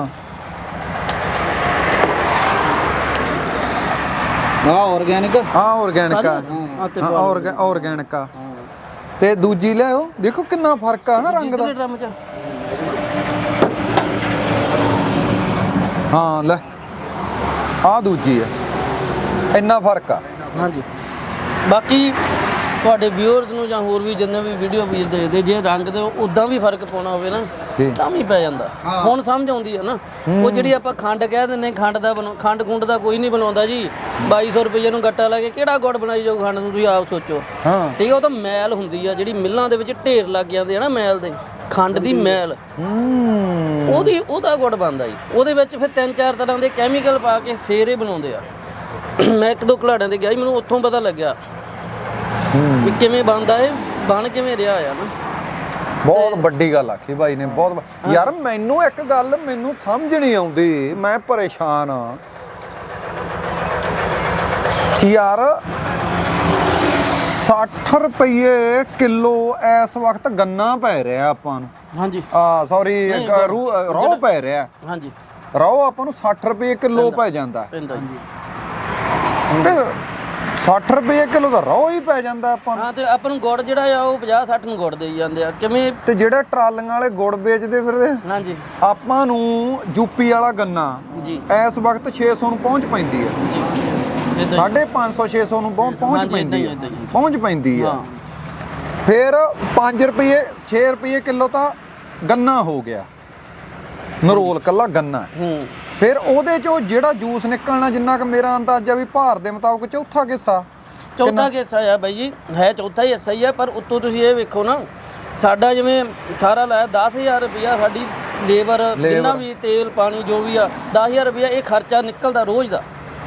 Speaker 4: ਆਰਗੈਨਿਕ
Speaker 1: ਆਰਗੈਨਿਕ ਆ ਤੇ ਦੂਜੀ ਲਿਆਓ ਦੇਖੋ ਕਿੰਨਾ ਫਰਕ ਆ ਨਾ ਰੰਗ ਦਾ
Speaker 2: ਡਰਮ 'ਚ
Speaker 1: ਹਾਂ ਲੈ ਆ ਦੂਜੀ ਆ ਇੰਨਾ ਫਰਕ ਆ
Speaker 2: ਹਾਂਜੀ ਬਾਕੀ ਤੁਹਾਡੇ ਵਿਊਅਰਸ ਨੂੰ ਜਾਂ ਹੋਰ ਵੀ ਜਿੰਨੇ ਵੀ ਵੀਡੀਓ ਵੀਰ ਦੇਖਦੇ ਜੇ ਰੰਗ ਦੇ ਉਦਾਂ ਵੀ ਫਰਕ ਪਾਉਣਾ ਹੋਵੇ ਨਾ ਤਾਂ ਵੀ ਪੈ ਜਾਂਦਾ ਹੁਣ ਸਮਝ ਆਉਂਦੀ ਹੈ ਨਾ ਉਹ ਜਿਹੜੀ ਆਪਾਂ ਖੰਡ ਕਹਿ ਦਿੰਦੇ ਖੰਡ ਖੁੰਡ ਦਾ ਕੋਈ ਨਹੀਂ ਬਣਾਉਂਦਾ ਜੀ 2200 ਰੁਪਏ ਨੂੰ ਗੱਟਾ ਲਾ ਕੇ ਕਿਹੜਾ ਗੁੜ ਬਣਾਈ ਜਾਊ ਖੰਡ ਨੂੰ ਤੁਸੀਂ ਆਪ ਸੋਚੋ ਠੀਕ ਹੈ ਉਹ ਤਾਂ ਮੈਲ ਹੁੰਦੀ ਆ ਜਿਹੜੀ ਮਿੱਲਾਂ ਦੇ ਵਿੱਚ ਢੇਰ ਲੱਗ ਜਾਂਦੇ ਆ ਨਾ ਮੈਲ ਦੇ ਖੰਡ ਦੀ ਮੈਲ ਉਹਦਾ ਗੁੜ ਬਣਦਾ ਜੀ ਉਹਦੇ ਵਿੱਚ ਫਿਰ 3-4 ਤਰ੍ਹਾਂ ਦੇ ਕੈਮੀਕਲ ਪਾ ਕੇ ਫੇਰ ਇਹ ਬਣਾਉਂਦੇ ਆ ਮੈਂ 1-2 ਘਲਾੜਿਆਂ ਤੇ ਗਿਆ ਸੀ ਮੈਨੂੰ ਉੱਥੋਂ ਪਤਾ ਲੱਗਿਆ ਵੀ ਕਿਵੇਂ ਬਣਦਾ ਇਹ ਬਣ ਕਿਵੇਂ ਰਿਹਾ ਆ ਨਾ
Speaker 1: ਬਹੁਤ ਵੱਡੀ ਗੱਲ ਆਖੀ ਭਾਈ ਨੇ ਬਹੁਤ ਯਾਰ ਮੈਨੂੰ ਇੱਕ ਗੱਲ ਮੈਨੂੰ ਸਮਝ ਨਹੀਂ ਆਉਂਦੀ ਮੈਂ ਪਰੇਸ਼ਾਨ ਆ ਯਾਰ 60 ਰੁਪਏ ਕਿਲੋ ਇਸ ਵਕਤ ਗੰਨਾ ਪੈ ਰਿਹਾ ਆਪਾਂ ਨੂੰ
Speaker 2: ਹਾਂਜੀ
Speaker 1: ਸੌਰੀ ਰੋਹ ਪੈ ਰਿਹਾ
Speaker 2: ਹਾਂਜੀ
Speaker 1: ਰੋਹ ਆਪਾਂ ਨੂੰ 60 ਰੁਪਏ ਕਿਲੋ ਪੈ ਜਾਂਦਾ
Speaker 2: ਪੈਂਦਾ ਜੀ
Speaker 1: ਤੇ 60 ਰੁਪਏ ਕਿਲੋ ਦਾ ਰੋਹ ਹੀ ਪੈ ਜਾਂਦਾ ਆਪਾਂ ਨੂੰ
Speaker 2: ਹਾਂ ਤੇ ਆਪਾਂ ਨੂੰ ਗੁੜ ਜਿਹੜਾ ਆ ਉਹ 50-60 ਨੂੰ ਗੁੜ ਦੇਈ ਜਾਂਦੇ ਆ ਕਿਵੇਂ
Speaker 1: ਤੇ ਜਿਹੜੇ ਟਰਾਲੀਆਂ ਵਾਲੇ ਗੁੜ ਵੇਚਦੇ ਫਿਰਦੇ
Speaker 2: ਹਾਂਜੀ
Speaker 1: ਆਪਾਂ ਨੂੰ ਯੂਪੀ ਵਾਲਾ ਗੰਨਾ
Speaker 2: ਜੀ ਇਸ
Speaker 1: ਵਕਤ 600 ਨੂੰ ਪਹੁੰਚ ਪੈਂਦੀ ਹੈ 550 600 ਨੂੰ ਪਹੁੰਚ ਪੈਂਦੀ ਹੈ ਫਿਰ 5 ਰੁਪਏ 6 ਰੁਪਏ ਕਿਲੋ ਤਾਂ ਗੰਨਾ ਹੋ ਗਿਆ ਨਰੋਲ ਕੱਲਾ ਗੰਨਾ ਫਿਰ ਉਹਦੇ ਚੋਂ ਜਿਹੜਾ ਜੂਸ ਨਿਕਲਣਾ ਜਿੰਨਾ ਕਿ ਮੇਰਾ ਅੰਦਾਜ਼ਾ ਵੀ ਭਾਰ ਦੇ ਮੁਤਾਬਕ ਚੌਥਾ ਹਿੱਸਾ
Speaker 2: ਆ ਬਾਈ ਜੀ ਹੈ ਚੌਥਾ ਹੀ ਹਿੱਸਾ ਹੀ ਆ ਪਰ ਉੱਤੋਂ ਤੁਸੀਂ ਇਹ ਵੇਖੋ ਨਾ ਸਾਡਾ ਜਿਵੇਂ ਸਾਰਾ ਲਾਇਆ 10000 ਰੁਪਇਆ ਸਾਡੀ ਲੇਬਰ ਜਿੰਨਾ ਵੀ ਤੇਲ ਪਾਣੀ ਜੋ ਵੀ ਆ 10000 ਰੁਪਇਆ ਇਹ ਖਰਚਾ ਨਿਕਲਦਾ ਰੋਜ਼ ਦਾ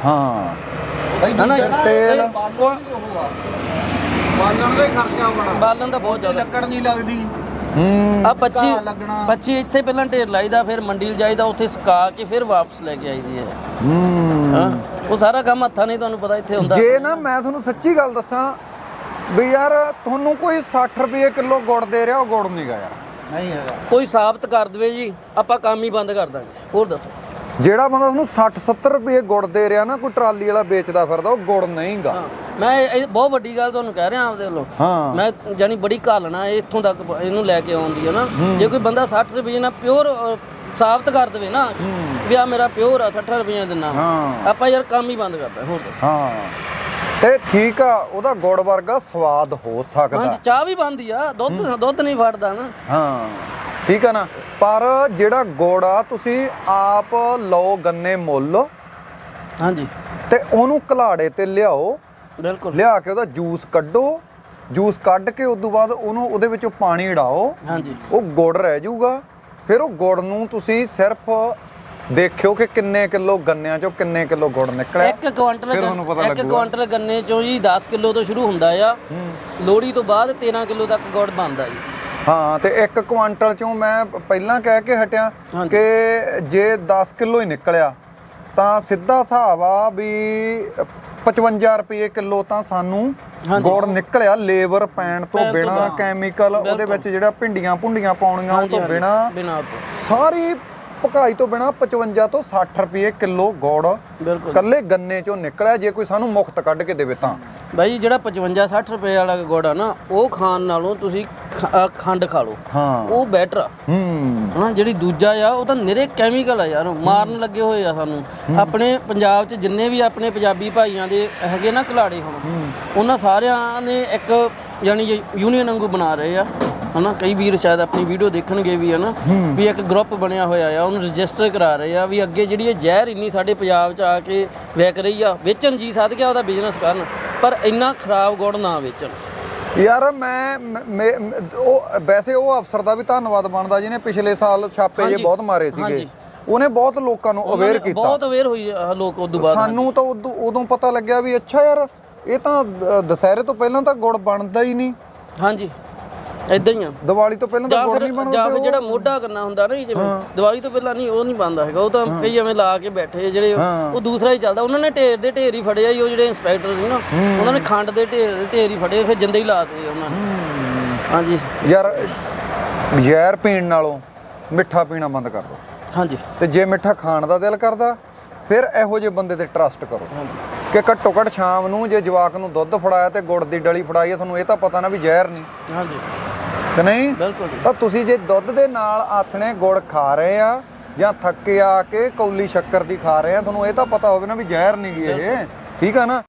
Speaker 1: ਤੇਲ
Speaker 4: ਬਾਲਣ ਦਾ ਖਰਚਾ ਬੜਾ
Speaker 2: ਬਾਲਣ ਦਾ ਬਹੁਤ ਜ਼ਿਆਦਾ
Speaker 4: ਲੱਕੜ ਨਹੀਂ ਲੱਗਦੀ
Speaker 2: ਆ 25 ਇੱਥੇ ਪਹਿਲਾਂ ਢੇਰ ਲਾਈਦਾ ਫਿਰ ਮੰਡੀ ਜਾਈਦਾ ਉੱਥੇ ਸੁਕਾ ਕੇ ਫਿਰ ਵਾਪਸ ਲੈ ਕੇ ਆਈਦੀ ਹੈ ਉਹ ਸਾਰਾ ਕੰਮ ਹੱਥਾਂ ਨਹੀਂ ਤੁਹਾਨੂੰ ਪਤਾ ਇੱਥੇ ਹੁੰਦਾ
Speaker 1: ਜੇ ਨਾ ਮੈਂ ਤੁਹਾਨੂੰ ਸੱਚੀ ਗੱਲ ਦੱਸਾਂ ਵੀ ਯਾਰ ਤੁਹਾਨੂੰ ਕੋਈ 60 ਰੁਪਏ ਕਿਲੋ ਗੁੜ ਦੇ ਰਿਹਾ ਉਹ ਗੁੜ ਨਹੀਂ ਗਾ ਯਾਰ
Speaker 4: ਨਹੀਂ ਹੈਗਾ ਕੋਈ
Speaker 2: ਸਾਬਤ ਕਰ ਦੇਵੇ ਜੀ ਆਪਾਂ ਕੰਮ ਹੀ ਬੰਦ ਕਰ ਦਾਂਗੇ ਹੋਰ ਦੱਸੋ
Speaker 1: ਜਿਹੜਾ ਬੰਦਾ ਤੁਹਾਨੂੰ 60-70 ਰੁਪਏ ਗੁੜ ਦੇ ਰਿਹਾ ਨਾ ਕੋਈ ਟਰਾਲੀ ਵਾਲਾ ਵੇਚਦਾ ਫਿਰਦਾ ਉਹ ਗੁੜ ਨਹੀਂਗਾ
Speaker 2: ਮੈਂ ਇਹ ਬਹੁਤ ਵੱਡੀ ਗੱਲ ਤੁਹਾਨੂੰ ਕਹਿ ਰਿਹਾ ਆਪਦੇ ਵੱਲੋਂ ਮੈਂ ਜਾਨੀ ਬੜੀ ਘਾਲਣਾ ਇੱਥੋਂ ਤੱਕ ਇਹਨੂੰ ਲੈ ਕੇ ਆਉਂਦੀ ਹੈ ਨਾ ਜੇ ਕੋਈ ਬੰਦਾ 60 ਰੁਪਏ ਨਾਲ ਪਿਓਰ ਸਾਬਤ ਕਰ ਦੇਵੇ ਨਾ ਵੀ ਆ ਮੇਰਾ ਪਿਓਰ ਆ 60 ਰੁਪਏ ਦਿੰਨਾ ਆਪਾਂ ਯਾਰ ਕੰਮ ਹੀ ਬੰਦ ਕਰਦਾ ਹੋਰ
Speaker 1: ਤੇ ਠੀਕ ਆ ਉਹਦਾ ਗੁੜ ਵਰਗਾ ਸਵਾਦ ਹੋ ਸਕਦਾ
Speaker 2: ਹਾਂਜੀ ਚਾਹ ਵੀ ਬਣਦੀ ਆ ਦੁੱਧ ਨਹੀਂ ਫੜਦਾ ਨਾ
Speaker 1: ਠੀਕ ਆ ਨਾ ਪਰ ਜਿਹੜਾ ਗੁੜ ਆ ਤੁਸੀਂ ਆਪ ਲਓ ਗੰਨੇ ਮੁੱਲ
Speaker 2: ਹਾਂਜੀ
Speaker 1: ਤੇ ਉਹਨੂੰ ਘਲਾੜੇ ਤੇ ਲਿਆਓ,
Speaker 2: ਬਿਲਕੁਲ
Speaker 1: ਲਿਆ ਕੇ ਉਹਦਾ ਜੂਸ ਕੱਢੋ, ਜੂਸ ਕੱਢ ਕੇ ਉਸ ਤੋਂ ਬਾਅਦ ਉਹਨੂੰ ਉਹਦੇ ਵਿੱਚੋਂ ਪਾਣੀ ਉਡਾਓ।
Speaker 2: ਹਾਂਜੀ
Speaker 1: ਉਹ ਗੁੜ ਰਹਿ ਜਾਊਗਾ। ਫਿਰ ਉਹ ਗੁੜ ਨੂੰ ਤੁਸੀਂ ਸਿਰਫ ਦੇਖਿਓ ਕਿ ਕਿੰਨੇ ਕਿਲੋ ਗੰਨਿਆਂ ਚੋਂ ਕਿੰਨੇ ਕਿਲੋ ਗੁੜ ਨਿਕਲਿਆ।
Speaker 2: 1 ਕੁਆਂਟਲ ਗੰਨੇ ਚੋਂ ਜੀ 10 ਕਿਲੋ ਤੋਂ ਸ਼ੁਰੂ ਹੁੰਦਾ ਆ, ਲੋਹੜੀ ਤੋਂ ਬਾਅਦ 13 ਕਿਲੋ ਤੱਕ ਗੁੜ ਬਣਦਾ ਜੀ।
Speaker 1: ਹਾਂ, ਤੇ 1 ਕੁਆਂਟਲ ਚੋਂ ਮੈਂ ਪਹਿਲਾਂ ਕਹਿ ਕੇ ਹਟਿਆ ਕਿ ਜੇ 10 ਕਿਲੋ ਹੀ ਨਿਕਲਿਆ ਤਾਂ ਸਿੱਧਾ ਹਿਸਾਬ ਆ ਵੀ 55 ਰੁਪਏ ਕਿਲੋ ਤਾਂ ਸਾਨੂੰ ਗੁੜ ਨਿਕਲਿਆ, ਲੇਬਰ ਪੈਣ ਤੋਂ ਬਿਨਾ, ਕੈਮੀਕਲ ਉਹਦੇ ਵਿੱਚ ਜਿਹੜਾ ਭਿੰਡੀਆਂ ਭੁੰਡੀਆਂ ਪਾਉਣੀਆਂ ਉਹ ਤੋਂ ਬਿਨਾ, ਸਾਰੀ ਪਕਾਈ ਤੋਂ ਬਿਨਾ 55 ਤੋਂ 60 ਰੁਪਏ ਕਿਲੋ ਗੁੜ ਕੱਲੇ ਗੰਨੇ ਚੋਂ ਨਿਕਲਿਆ। ਜੇ ਕੋਈ ਸਾਨੂੰ ਮੁਫਤ ਕੱਢ ਕੇ ਦੇਵੇ ਤਾਂ
Speaker 2: ਬਾਈ ਜਿਹੜਾ 55-60 ਰੁਪਏ ਵਾਲਾ ਗੁੜ ਆ ਨਾ, ਉਹ ਖਾਣ ਨਾਲੋਂ ਤੁਸੀਂ ਖੰਡ ਖਾ ਲਓ, ਉਹ ਬੈਟਰ ਆ। ਹਾਂ, ਜਿਹੜੀ ਦੂਜਾ ਆ ਉਹ ਤਾਂ ਨਿਰੇ ਕੈਮੀਕਲ ਆ ਯਾਰ, ਮਾਰਨ ਲੱਗੇ ਹੋਏ ਆ ਸਾਨੂੰ। ਆਪਣੇ ਪੰਜਾਬ 'ਚ ਜਿੰਨੇ ਵੀ ਆਪਣੇ ਪੰਜਾਬੀ ਭਾਈਆਂ ਦੇ ਹੈਗੇ ਨਾ ਘਲਾੜੇ, ਹੁਣ ਉਹਨਾਂ ਸਾਰਿਆਂ ਨੇ ਇੱਕ ਯਾਨੀ ਯੂਨੀਅਨ ਵਾਂਗੂ ਬਣਾ ਰਹੇ ਆ, ਹਨਾ। ਕਈ ਵੀਰ ਸ਼ਾਇਦ ਆਪਣੀ ਵੀਡੀਓ ਦੇਖਣਗੇ ਵੀ, ਹਨਾ, ਵੀ ਇੱਕ ਗਰੁੱਪ ਬਣਿਆ ਹੋਇਆ ਆ, ਉਹਨੂੰ ਰਜਿਸਟਰ ਕਰਾ ਰਹੇ ਆ ਵੀ ਅੱਗੇ ਜਿਹੜੀ ਇਹ ਜ਼ਹਿਰ ਇੰਨੀ ਸਾਡੇ ਪੰਜਾਬ 'ਚ ਆ ਕੇ ਵਿਕ ਰਹੀ ਆ, ਵੇਚਣ ਜੀ ਸਦ ਗਿਆ ਉਹਦਾ ਬਿਜ਼ਨਸ ਕਰਨ, ਪਰ ਇੰਨਾ ਖਰਾਬ ਗੁੜ ਨਾ ਵੇਚਣ।
Speaker 1: ਯਾਰ ਮੈਂ ਉਹ ਵੈਸੇ ਉਹ ਅਫਸਰ ਦਾ ਵੀ ਧੰਨਵਾਦ ਬਣਦਾ ਜਿਹਨੇ ਪਿਛਲੇ ਸਾਲ ਛਾਪੇ ਜੇ ਬਹੁਤ ਮਾਰੇ ਸੀਗੇ, ਉਹਨੇ ਬਹੁਤ ਲੋਕਾਂ ਨੂੰ ਅਵੇਅਰ ਕੀਤਾ,
Speaker 2: ਬਹੁਤ ਅਵੇਅਰ ਹੋਈ ਲੋਕ। ਉਦੋਂ ਬਾਅਦ
Speaker 1: ਸਾਨੂੰ ਤਾਂ ਉਦੋਂ ਪਤਾ ਲੱਗਿਆ ਵੀ ਅੱਛਾ ਯਾਰ ਇਹ ਤਾਂ ਦੁਸਹਿਰੇ ਤੋਂ ਪਹਿਲਾਂ ਤਾਂ ਗੁੜ ਬਣਦਾ ਹੀ ਨਹੀਂ।
Speaker 2: ਹਾਂਜੀ, ਇਦਾਂ ਹੀ ਆ।
Speaker 1: ਦੀਵਾਲੀ ਤੋਂ ਪਹਿਲਾਂ ਤਾਂ ਗੁੜ ਨਹੀਂ ਬਣਦਾ।
Speaker 2: ਜਾਂ ਫਿਰ ਜਿਹੜਾ ਮੋਢਾ ਕਰਨਾ ਹੁੰਦਾ ਨਾ, ਜਿਵੇਂ ਦੀਵਾਲੀ ਤੋਂ ਪਹਿਲਾਂ ਨਹੀਂ, ਉਹ ਨਹੀਂ ਬਣਦਾ ਹੈਗਾ, ਉਹ ਤਾਂ ਕਈ ਐਵੇਂ ਲਾ ਕੇ ਬੈਠੇ ਜਿਹੜੇ, ਉਹ ਦੂਸਰਾ ਹੀ ਚੱਲਦਾ। ਉਹਨਾਂ ਨੇ ਢੇਰ ਦੇ ਢੇਰ ਹੀ ਫੜਿਆ ਜੀ, ਉਹ ਜਿਹੜੇ ਇੰਸਪੈਕਟਰ ਸੀ ਨਾ, ਉਹਨਾਂ ਨੇ ਖੰਡ ਦੇ ਢੇਰ ਹੀ ਫੜੇ, ਫਿਰ ਜਿੰਦੇ ਹੀ ਲਾਤੇ ਉਹਨਾਂ ਨੇ। ਹਾਂਜੀ
Speaker 1: ਯਾਰ, ਜ਼ਹਿਰ ਪੀਣ ਨਾਲੋਂ ਮਿੱਠਾ ਪੀਣਾ ਬੰਦ ਕਰ ਦਿਓ।
Speaker 2: ਹਾਂਜੀ,
Speaker 1: ਤੇ ਜੇ ਮਿੱਠਾ ਖਾਣ ਦਾ ਦਿਲ ਕਰਦਾ ਫਿਰ ਇਹੋ ਜਿਹੇ ਬੰਦੇ ਤੇ ਟਰਸਟ ਕਰੋ ਕਿ ਘੱਟੋ ਘੱਟ ਸ਼ਾਮ ਨੂੰ ਜੇ ਜਵਾਕ ਨੂੰ ਦੁੱਧ ਫੜਾਇਆ ਤੇ ਗੁੜ ਦੀ ਡਲੀ ਫੜਾਈ ਹੈ, ਤੁਹਾਨੂੰ ਇਹ ਤਾਂ ਪਤਾ ਨਾ ਵੀ ਜ਼ਹਿਰ ਨਹੀਂ।
Speaker 2: ਹਾਂਜੀ,
Speaker 1: ਕਿ ਨਹੀਂ?
Speaker 2: ਬਿਲਕੁਲ।
Speaker 1: ਤਾਂ ਤੁਸੀਂ ਜੇ ਦੁੱਧ ਦੇ ਨਾਲ ਆਥਣੇ ਗੁੜ ਖਾ ਰਹੇ ਆ ਜਾਂ ਥੱਕੇ ਆ ਕੇ ਕੌਲੀ ਸ਼ੱਕਰ ਦੀ ਖਾ ਰਹੇ ਆ, ਤੁਹਾਨੂੰ ਇਹ ਤਾਂ ਪਤਾ ਹੋਵੇ ਨਾ ਵੀ ਜ਼ਹਿਰ ਨਹੀਂ ਗੀ ਇਹ, ਠੀਕ ਆ ਨਾ।